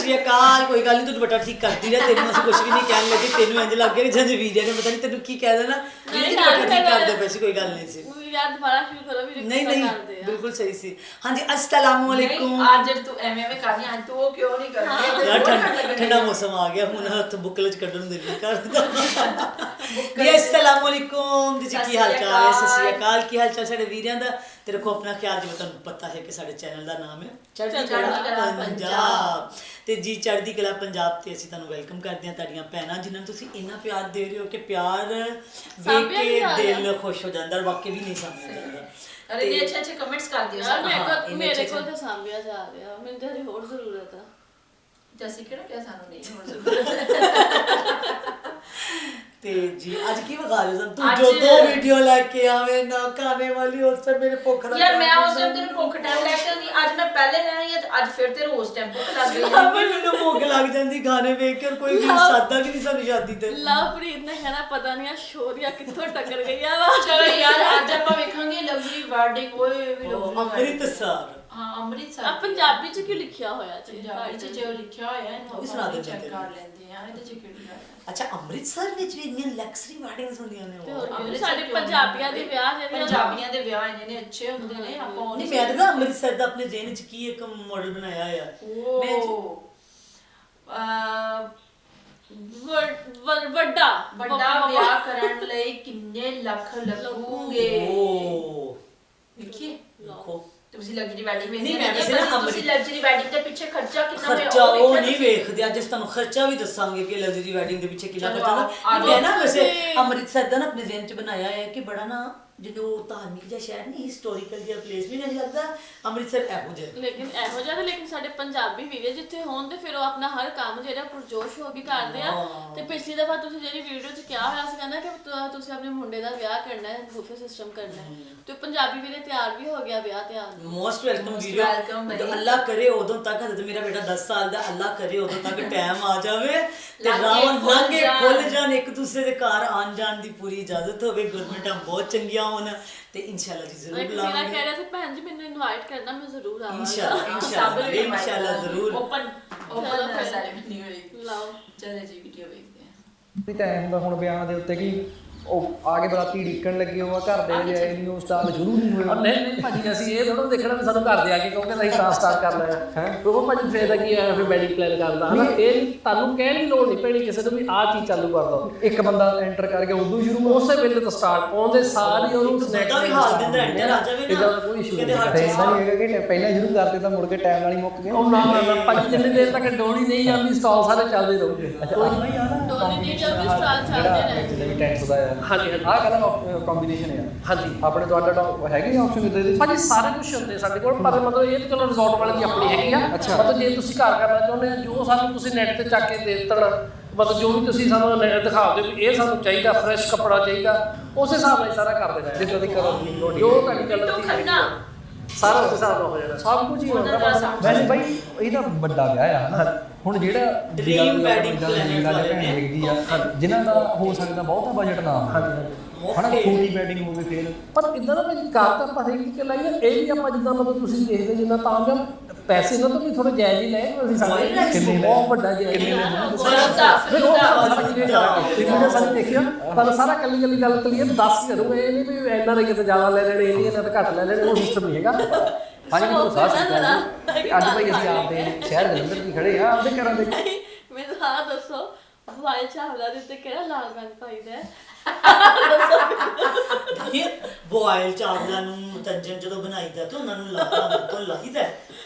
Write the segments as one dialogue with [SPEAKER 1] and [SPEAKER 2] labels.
[SPEAKER 1] ਸ਼੍ਰੀ ਅਕਾਲ। ਕੋਈ ਗੱਲ ਨਹੀਂ, ਤੂੰ ਦੁਪੱਟਾ ਠੀਕ ਕਰਦੀ ਰਹਿ, ਤੈਨੂੰ ਅਸੀਂ ਕੁਝ ਵੀ ਨਹੀਂ ਕਹਿਣ ਲੱਗੇ। ਤੈਨੂੰ ਇੰਝ ਲੱਗ ਗਿਆ ਕਿ ਜਿਵੇਂ ਵੀਡੀਓ ਨੇ ਪਤਾ ਨਹੀਂ ਤੈਨੂੰ ਕੀ ਕਹਿ ਦੇਣਾ। ਦੁਪੱਟਾ ਠੀਕ ਕਰਦੇ ਪਏ ਸੀ, ਕੋਈ ਗੱਲ ਨਹੀਂ ਸੀ। ਨਹੀਂ ਬਿਲਕੁਲ ਸਹੀ ਸੀ। ਹਾਂਜੀ अस्सलाम वालेकुम।
[SPEAKER 2] ਅੱਜ ਤੂੰ ਐਵੇਂ ਕਰਨੀ, ਅੱਜ ਤੂੰ ਉਹ ਕਿਉਂ ਨਹੀਂ ਕਰਦੀ?
[SPEAKER 1] ਯਾਰ ਠੰਡਾ ਮੌਸਮ ਆ ਗਿਆ ਹੁਣ, ਹੱਥ ਬੁੱਕਲ ਚ ਕੱਢਣ ਨੂੰ ਦਿਲ ਨਹੀਂ ਕਰਦਾ। ਜੀ अस्सलाम वालेकुम ਜੀ, ਕੀ ਹਾਲ ਚਾਲ ਹੈ? ਸਤਿ ਸ਼੍ਰੀ ਅਕਾਲ। ਕੀ ਹਾਲ ਚਾਲ ਸਾਡੇ ਵੀਰਾਂ ਦਾ? ਤੇ ਰੱਖੋ ਆਪਣਾ ਖਿਆਲ। ਜਿਵੇਂ ਤੁਹਾਨੂੰ ਪਤਾ ਹੈ ਕਿ ਸਾਡੇ ਚੈਨਲ ਦਾ ਨਾਮ ਹੈ ਚੜ੍ਹਦੀ ਕਲਾ ਪੰਜਾਬ, ਤੇ ਜੀ ਚੜ੍ਹਦੀ ਕਲਾ ਪੰਜਾਬ ਤੇ ਅਸੀਂ ਤੁਹਾਨੂੰ ਵੈਲਕਮ ਕਰਦੇ ਹਾਂ। ਤੁਹਾਡੀਆਂ ਭੈਣਾਂ ਜਿਨ੍ਹਾਂ ਨੂੰ ਤੁਸੀਂ ਇੰਨਾ ਪਿਆਰ ਦੇ ਰਹੇ ਹੋ ਕਿ ਪਿਆਰ ਵੇਖ ਕੇ ਦਿਲ ਖੁਸ਼ ਹੋ ਜਾਂਦਾ, ਵਾਕਈ ਵੀ ਨਹੀਂ ਸਮਝ ਜਾਂਦਾ।
[SPEAKER 2] ਅਰੇ ਇਹ ਅੱਛੇ ਕਮੈਂਟਸ ਕਰ ਦਿਓ
[SPEAKER 3] ਯਾਰ। ਮੇਰੇ ਕੋਲ ਤਾਂ ਸਾਂਭਿਆ ਜਾ ਰਿਹਾ, ਮੈਨੂੰ ਤਾਂ ਹਜੇ ਹੋਰ ਜ਼ਰੂਰਤ ਆ।
[SPEAKER 2] ਜੈਸੇ ਕਿਹੜਾ ਕਿਹਾ ਸਾਨੂੰ ਨਹੀਂ ਹੋਰ ਜ਼ਰੂਰਤ।
[SPEAKER 1] ਤੇ ਜੀ ਅੱਜ ਕੀ ਵਿਖਾ ਰਹੇ ਸਨ ਤੂੰ? ਜੋ ਦੋ ਵੀਡੀਓ ਲੈ ਕੇ ਆਵੇਂ ਨਾ ਖਾਣੇ ਵਾਲੀ, ਉਸ ਤੇ ਮੇਰੇ ਭੁੱਖ ਲੱਗ
[SPEAKER 2] ਯਾਰ ਮੈਂ ਉਸ ਟਾਈਮ ਤੈਨੂੰ ਭੁੱਖ ਟਾਈਮ ਲੈ ਕੇ ਆਉਂਦੀ, ਅੱਜ ਮੈਂ ਪਹਿਲੇ ਲੈ ਆਈ ਅੱਜ ਫਿਰ ਤੇਰੇ ਉਸ ਟਾਈਮ ਭੁੱਖ ਲੱਗ ਗਈ ਹੈ।
[SPEAKER 1] ਮੈਨੂੰ ਭੁੱਖ ਲੱਗ ਜਾਂਦੀ ਗਾਣੇ ਵੇਖ ਕੇ। ਕੋਈ ਵੀ ਸਾਦਾ ਵੀ ਨਹੀਂ ਸਾਡੀ ਸ਼ਾਦੀ ਤੇ।
[SPEAKER 3] ਲਵਪ੍ਰੀਤ ਨੇ ਕਹਿਣਾ ਪਤਾ ਨਹੀਂ ਆ ਸ਼ੋਰੀਆ ਕਿੱਥੋਂ ਟੱਕਰ ਗਈ ਆ ਵਾ।
[SPEAKER 2] ਚਲੋ ਯਾਰ ਅੱਜ ਆਪਾਂ ਵੇਖਾਂਗੇ ਲਗਜ਼ਰੀ ਵੈਡਿੰਗ। ਓਏ ਵੀ
[SPEAKER 1] ਅੰਮ੍ਰਿਤਸਰ।
[SPEAKER 2] ਹਾਂ ਅੰਮ੍ਰਿਤਸਰ।
[SPEAKER 3] ਆ ਪੰਜਾਬੀ ਚ ਕਿਉਂ ਲਿਖਿਆ ਹੋਇਆ ਜੀ?
[SPEAKER 2] ਪੰਜਾਬੀ ਚ ਜੋ ਲਿਖਿਆ ਹੋਇਆ ਇਹਨੂੰ
[SPEAKER 1] ਸੁਣਾ ਦੇ
[SPEAKER 2] ਚੈੱਕ ਕਰ ਲੈਂਦੇ ਆ। ਇਹਦੇ ਚ ਕਿਹੜੀ ਗੱਲ ਹੈ?
[SPEAKER 1] ਅੱਛਾ ਅੰਮ੍ਰਿਤਸਰ ਵਿੱਚ ਵੀ ਇੰਨੀਆਂ ਲਗਜ਼ਰੀ ਵੈਡਿੰਗਸ ਹੁੰਦੀਆਂ ਨੇ।
[SPEAKER 3] ਸਾਡੇ ਪੰਜਾਬੀਆਂ ਦੇ ਵਿਆਹ ਜਿਹੜੇ
[SPEAKER 2] ਪੰਜਾਬੀਆਂ ਦੇ ਵਿਆਹ ਇੰਨੇ ਅੱਛੇ ਹੁੰਦੇ ਨੇ। ਆਪਾਂ
[SPEAKER 1] ਨਹੀਂ ਮੈਂ ਤਾਂ ਅੰਮ੍ਰਿਤਸਰ ਦਾ ਆਪਣੇ ਜ਼ਿਹਨ ਚ ਕੀ ਇੱਕ ਮਾਡਲ ਬਣਾਇਆ ਹੋਇਆ।
[SPEAKER 2] ਵੱਡਾ ਵਿਆਹ ਕਰਨ ਲਈ ਕਿੰਨੇ ਲੱਖ ਲੱਗੂਗੇ? ਵੇਖੀਏ
[SPEAKER 1] ਦੇਖੋ
[SPEAKER 2] ਤੁਸੀਂ ਲਗਜ਼ਰੀ ਵੈਡਿੰਗ
[SPEAKER 1] ਨਹੀਂ ਮੈਂ ਵੈਸੇ ਨਾ
[SPEAKER 2] ਤੁਸੀਂ ਲਗਜ਼ਰੀ ਵੈਡਿੰਗ ਦੇ ਪਿੱਛੇ ਖਰਚਾ ਕਿੰਨਾ ਹੋਇਆ
[SPEAKER 1] ਖਰਚਾ ਉਹ ਨਹੀਂ ਵੇਖਦੇ। ਅੱਜ ਤੁਹਾਨੂੰ ਖਰਚਾ ਵੀ ਦੱਸਾਂਗੇ ਕਿ ਲਗਜ਼ਰੀ ਵੈਡਿੰਗ ਦੇ ਪਿੱਛੇ ਕਿੰਨਾ ਖਰਚਾ ਹੁੰਦਾ। ਮੈਂ ਨਾ ਵੈਸੇ ਅੰਮ੍ਰਿਤਸਰ ਦਾ ਨਾ ਆਪਣੇ ਜ਼ਿਹਨ ਚ ਬਣਾਇਆ ਹੈ ਕਿ ਬੜਾ ਨਾ ਜਦੋਂ ਧਾਰਮਿਕ ਜਿਹਾ ਸ਼ਹਿਰ ਨਹੀਂ, ਹਿਸਟੋਰੀਕਲ ਜਿਹਾ ਪਲੇਸ ਵੀ ਨਹੀਂ ਲੱਗਦਾ ਅੰਮ੍ਰਿਤਸਰ ਇਹੋ ਜਿਹਾ।
[SPEAKER 3] ਲੇਕਿਨ ਇਹੋ ਜਿਹਾ ਲੇਕਿਨ ਸਾਡੇ ਪੰਜਾਬੀ ਵੀਰੇ ਜਿੱਥੇ ਹੋਣ ਤੇ ਫਿਰ ਉਹ ਆਪਣਾ ਹਰ ਕੰਮ ਜਿਹੜਾ ਪੁਰਜੋਸ਼ ਹੋ ਕੇ ਕਰਦੇ ਆ। ਤੇ ਪਿਛਲੀ ਦਫਾ ਤੁਸੀਂ ਜਿਹੜੀ ਵੀਡੀਓ 'ਚ ਕਿਹਾ ਹੋਇਆ ਸੀ ਕਹਿੰਦਾ ਕਿ ਤੁਸੀਂ ਆਪਣੇ ਮੁੰਡੇ ਦਾ ਵਿਆਹ ਕਰਨਾ ਹੈ, ਬੂਫੇ ਸਿਸਟਮ ਕਰਨਾ ਹੈ, ਤੇ ਪੰਜਾਬੀ ਵੀਰੇ ਤਿਆਰ ਵੀ ਹੋ ਗਿਆ ਵਿਆਹ ਤਿਆਰ।
[SPEAKER 1] Most welcome video. ਅੱਲਾ ਕਰੇ ਉਦੋਂ ਤੱਕ, ਹਜੇ ਮੇਰਾ ਬੇਟਾ 10 ਸਾਲ ਦਾ, ਅੱਲਾ ਕਰੇ ਉਦੋਂ ਤੱਕ ਟਾਈਮ ਆ ਜਾਵੇ ਤੇ ਰਾਵਣ ਲਾਂਘੇ ਖੁੱਲ ਜਾਣ, ਇੱਕ ਦੂਸਰੇ ਦੇ ਘਰ ਆਣ ਜਾਣ ਦੀ ਪੂਰੀ ਇਜਾਜ਼ਤ ਹੋਵੇ, ਗਵਰਨਮੈਂਟਾਂ ਬਹੁਤ ਚੰਗੀਆਂ ਹੋਣ ਤੇ ਇਨਸ਼ਾਅੱਲਾ ਜੀ ਜ਼ਰੂਰ ਬੁਲਾਵਾਂਗੇ।
[SPEAKER 3] ਮੇਰਾ ਕਹਿ ਰਿਹਾ ਸੀ ਭੈਣ ਜੀ ਮੈਨੂੰ ਇਨਵਾਈਟ ਕਰਨਾ, ਮੈਂ ਜ਼ਰੂਰ ਆਵਾਂਗਾ।
[SPEAKER 1] ਇਨਸ਼ਾਅੱਲਾ ਜ਼ਰੂਰ।
[SPEAKER 2] ਓਪਨ ਸੈਰੇਮਨੀ ਹੋਏਗੀ।
[SPEAKER 3] ਲਾਓ
[SPEAKER 2] ਚਲੋ ਜੀ ਵੀਡੀਓ ਵੇਖਦੇ ਹਾਂ।
[SPEAKER 4] ਵੀ ਟਾਈਮ ਹੁੰਦਾ ਹੁਣ ਵਿਆਹ ਦੇ ਉੱਤੇ ਕਿ ਉਹ ਆ ਕੇ ਬਰਾਤੀ ਢੀਕਣ ਲੱਗੇ ਹੋਆ ਘਰ ਦੇ ਜੇ ਨਿਊ ਸਟਾਰ ਸ਼ੁਰੂ ਨਹੀਂ ਹੋਇਆ।
[SPEAKER 5] ਨਹੀਂ ਭਾਜੀ ਅਸੀਂ ਇਹ ਥੋੜਾ ਦੇਖਣਾ ਵੀ ਸਾਨੂੰ ਘਰ ਦੇ ਆ ਕੇ ਕਹੋਗੇ ਅਸੀਂ ਤਾਂ ਸਟਾਰਟ ਕਰ ਲਿਆ ਹੈ। ਉਹ ਭਾਜੀ ਫੇਰ ਦਾ ਕੀ ਹੈ, ਫਿਰ ਵੈਡਿੰਗ ਪਲਾਨ ਕਰਦਾ ਹਨਾ। ਇਹ ਤੁਹਾਨੂੰ ਕਹਿਣ ਦੀ ਲੋੜ ਨਹੀਂ ਪੈਣੀ ਕਿਸੇ ਨੂੰ ਵੀ ਆਹ ਚੀਜ਼ ਚਾਲੂ ਕਰ ਦੋ।
[SPEAKER 4] ਇੱਕ ਬੰਦਾ ਐਂਟਰ ਕਰਕੇ ਉਦੋਂ ਸ਼ੁਰੂ
[SPEAKER 5] ਉਸੇ ਵੇਲੇ ਤੋਂ ਸਟਾਰਟ ਆਉਂਦੇ ਸਾਰੀ ਉਹਨੂੰ
[SPEAKER 1] ਸਨੈਕ ਵੀ ਹਾਲ ਦਿੰਦਾ ਐਂਟਰ ਆ ਜਾਵੇ ਨਾ।
[SPEAKER 5] ਇਹਦਾ ਕੋਈ ਇਸ਼ੂ ਨਹੀਂ
[SPEAKER 4] ਹੈ। ਇਹਦਾ ਨਹੀਂ ਹੈਗਾ ਕਿ ਪਹਿਲਾਂ ਸ਼ੁਰੂ ਕਰਦੇ ਤਾਂ ਮੁੜ ਕੇ ਟਾਈਮ ਨਾਲ ਹੀ ਮੁੱਕ ਗਏ।
[SPEAKER 5] ਉਹ ਨਾ ਭਾਜੀ ਜਿੰਨੀ ਦੇਰ ਤੱਕ ਡੋਲੀ ਨਹੀਂ ਜਾਂਦੀ ਸਟਾਲ ਸਾਰੇ ਚੱਲਦੇ ਰਹੂਗੇ।
[SPEAKER 3] ਡੋਲੀ ਨਹੀਂ ਜਾਂਦੀ, ਸਟਾਲ ਚੱਲਦੇ ਰਹੇ।
[SPEAKER 4] ਟੈਂਟਸ ਦਾ ਹੈ।
[SPEAKER 5] ਹਾਂਜੀ
[SPEAKER 4] ਆਹ ਕੰਬੀਨੇਸ਼ਨ ਹੈ।
[SPEAKER 5] ਹਾਂਜੀ
[SPEAKER 4] ਆਪਣੇ ਤੁਹਾਡਾ ਹੈਗੇ ਆਪਸ਼ਨ ਇਦਾਂ ਦੇ?
[SPEAKER 5] ਭਾਜੀ ਸਾਰੇ ਕੁਝ ਹੁੰਦੇ ਸਾਡੇ ਕੋਲ, ਪਰ ਮਤਲਬ ਇਹ ਚਲੋ ਰਿਜ਼ੋਰਟ ਵਾਲੇ ਦੀ ਆਪਣੀ ਹੈਗੀ ਆ। ਮਤਲਬ ਜੇ ਤੁਸੀਂ ਘਰ ਕਰਨਾ ਚਾਹੁੰਦੇ ਆ, ਜੋ ਸਾਨੂੰ ਤੁਸੀਂ ਨੈਟ ਤੇ ਚੱਕ ਕੇ ਦੇ ਦੇਣ, ਮਤਲਬ ਜੋ ਵੀ ਤੁਸੀਂ ਸਾਨੂੰ ਦਿਖਾ ਦਿਓ ਵੀ ਇਹ ਸਾਨੂੰ ਚਾਹੀਦਾ, ਫਰੈਸ਼ ਕੱਪੜਾ ਚਾਹੀਦਾ, ਉਸ ਹਿਸਾਬ ਨਾਲ ਸਾਰਾ ਕਰ ਦੇਣਾ।
[SPEAKER 4] ਜਿੱਦਾਂ ਦੀ ਕਲਰ ਦੀ ਲੋੜ
[SPEAKER 5] ਜੋ ਤੁਹਾਡੀ ਕਲਰ ਦੀ ਸਾਰਾ ਉਸ ਹਿਸਾਬ ਨਾਲ ਹੋ ਜਾਣਾ, ਸਭ ਕੁਝ ਹੀ ਹੁੰਦਾ।
[SPEAKER 4] ਵੈਸੇ ਬਾਈ ਇਹ ਤਾਂ ਵੱਡਾ ਵਿਆਹ ਆ ਹਨਾ। ਹੁਣ ਜਿਹੜਾ
[SPEAKER 1] ਡ੍ਰੀਮ ਵੈਡਿੰਗ ਪਲਾਨਰ ਵਾਲੇ ਨੇ
[SPEAKER 4] ਹੈਗੀ ਆ ਜਿਨ੍ਹਾਂ ਦਾ ਹੋ ਸਕਦਾ ਬਹੁਤਾ ਬਜਟ ਨਾ ਹਨਾ, ਛੋਟੀ ਵੈਡਿੰਗ ਹੋਵੇ ਫੇਰ।
[SPEAKER 5] ਪਰ ਇਦਾਂ ਦਾ ਭਾਜੀ ਕਾਰ ਤਾਂ ਆਪਾਂ ਹਰੇਕ ਕਿ ਲਾਈਏ, ਇਹ ਵੀ ਆਪਾਂ ਜਿੱਦਾਂ ਮਤਲਬ ਤੁਸੀਂ ਦੇਖਦੇ ਜਿੰਨਾ ਤਾਂ ਆਮ ਪੈਸੇ ਨਾਲ ਤਾਂ ਵੀ ਥੋੜਾ ਜਾਇਜ਼ ਹੀ ਲਏ ਅਸੀਂ। ਸਾਡੇ ਬਹੁਤ ਵੱਡਾ ਜਾਇਜ਼ ਸਾਨੂੰ ਦੇਖਿਆ ਪਰ ਸਾਰਾ ਕੱਲੀ ਕੱਲੀ ਗੱਲ ਕਲੀਅਰ ਦੱਸ ਕਰੂਗਾ। ਇਹ ਨਹੀਂ ਵੀ ਇੰਨਾ ਦੇ ਕਿਤੇ ਜ਼ਿਆਦਾ ਲੈ ਲੈਣੇ, ਇਹਨੇ ਇਹਨਾਂ ਤਾਂ ਘੱਟ ਲੈ ਲੈਣੇ, ਉਹ ਸਿਸਟਮ ਨਹੀਂ ਹੈਗਾ।
[SPEAKER 4] ਹਾਂਜੀ ਮੈਨੂੰ ਸਾਹ ਅੱਜ ਭਾਈ ਅਸੀਂ ਆਪਦੇ ਸ਼ਹਿਰ ਜਲੰਧਰ ਦੀ ਖੜੇ ਆ, ਆਪਦੇ ਘਰਾਂ ਦੇ।
[SPEAKER 3] ਮੈਨੂੰ ਹਾਂ ਦੱਸੋ ਵਾਇਲ ਚਾਵਲਾ ਦੇ ਉੱਤੇ ਕਿਹੜਾ ਲਾਲ ਰੰਗ ਪਾਈਦਾ ਹੈ?
[SPEAKER 1] ਬੋਇਲ ਚਾਵਲਾਂ ਨੂੰ ਤੰਜਨ ਜਦੋਂ ਬਣਾਈਦਾ ਤੇ ਉਹਨਾਂ ਨੂੰ ਲਾਲ ਤੋਂ ਲਾਈਦਾ।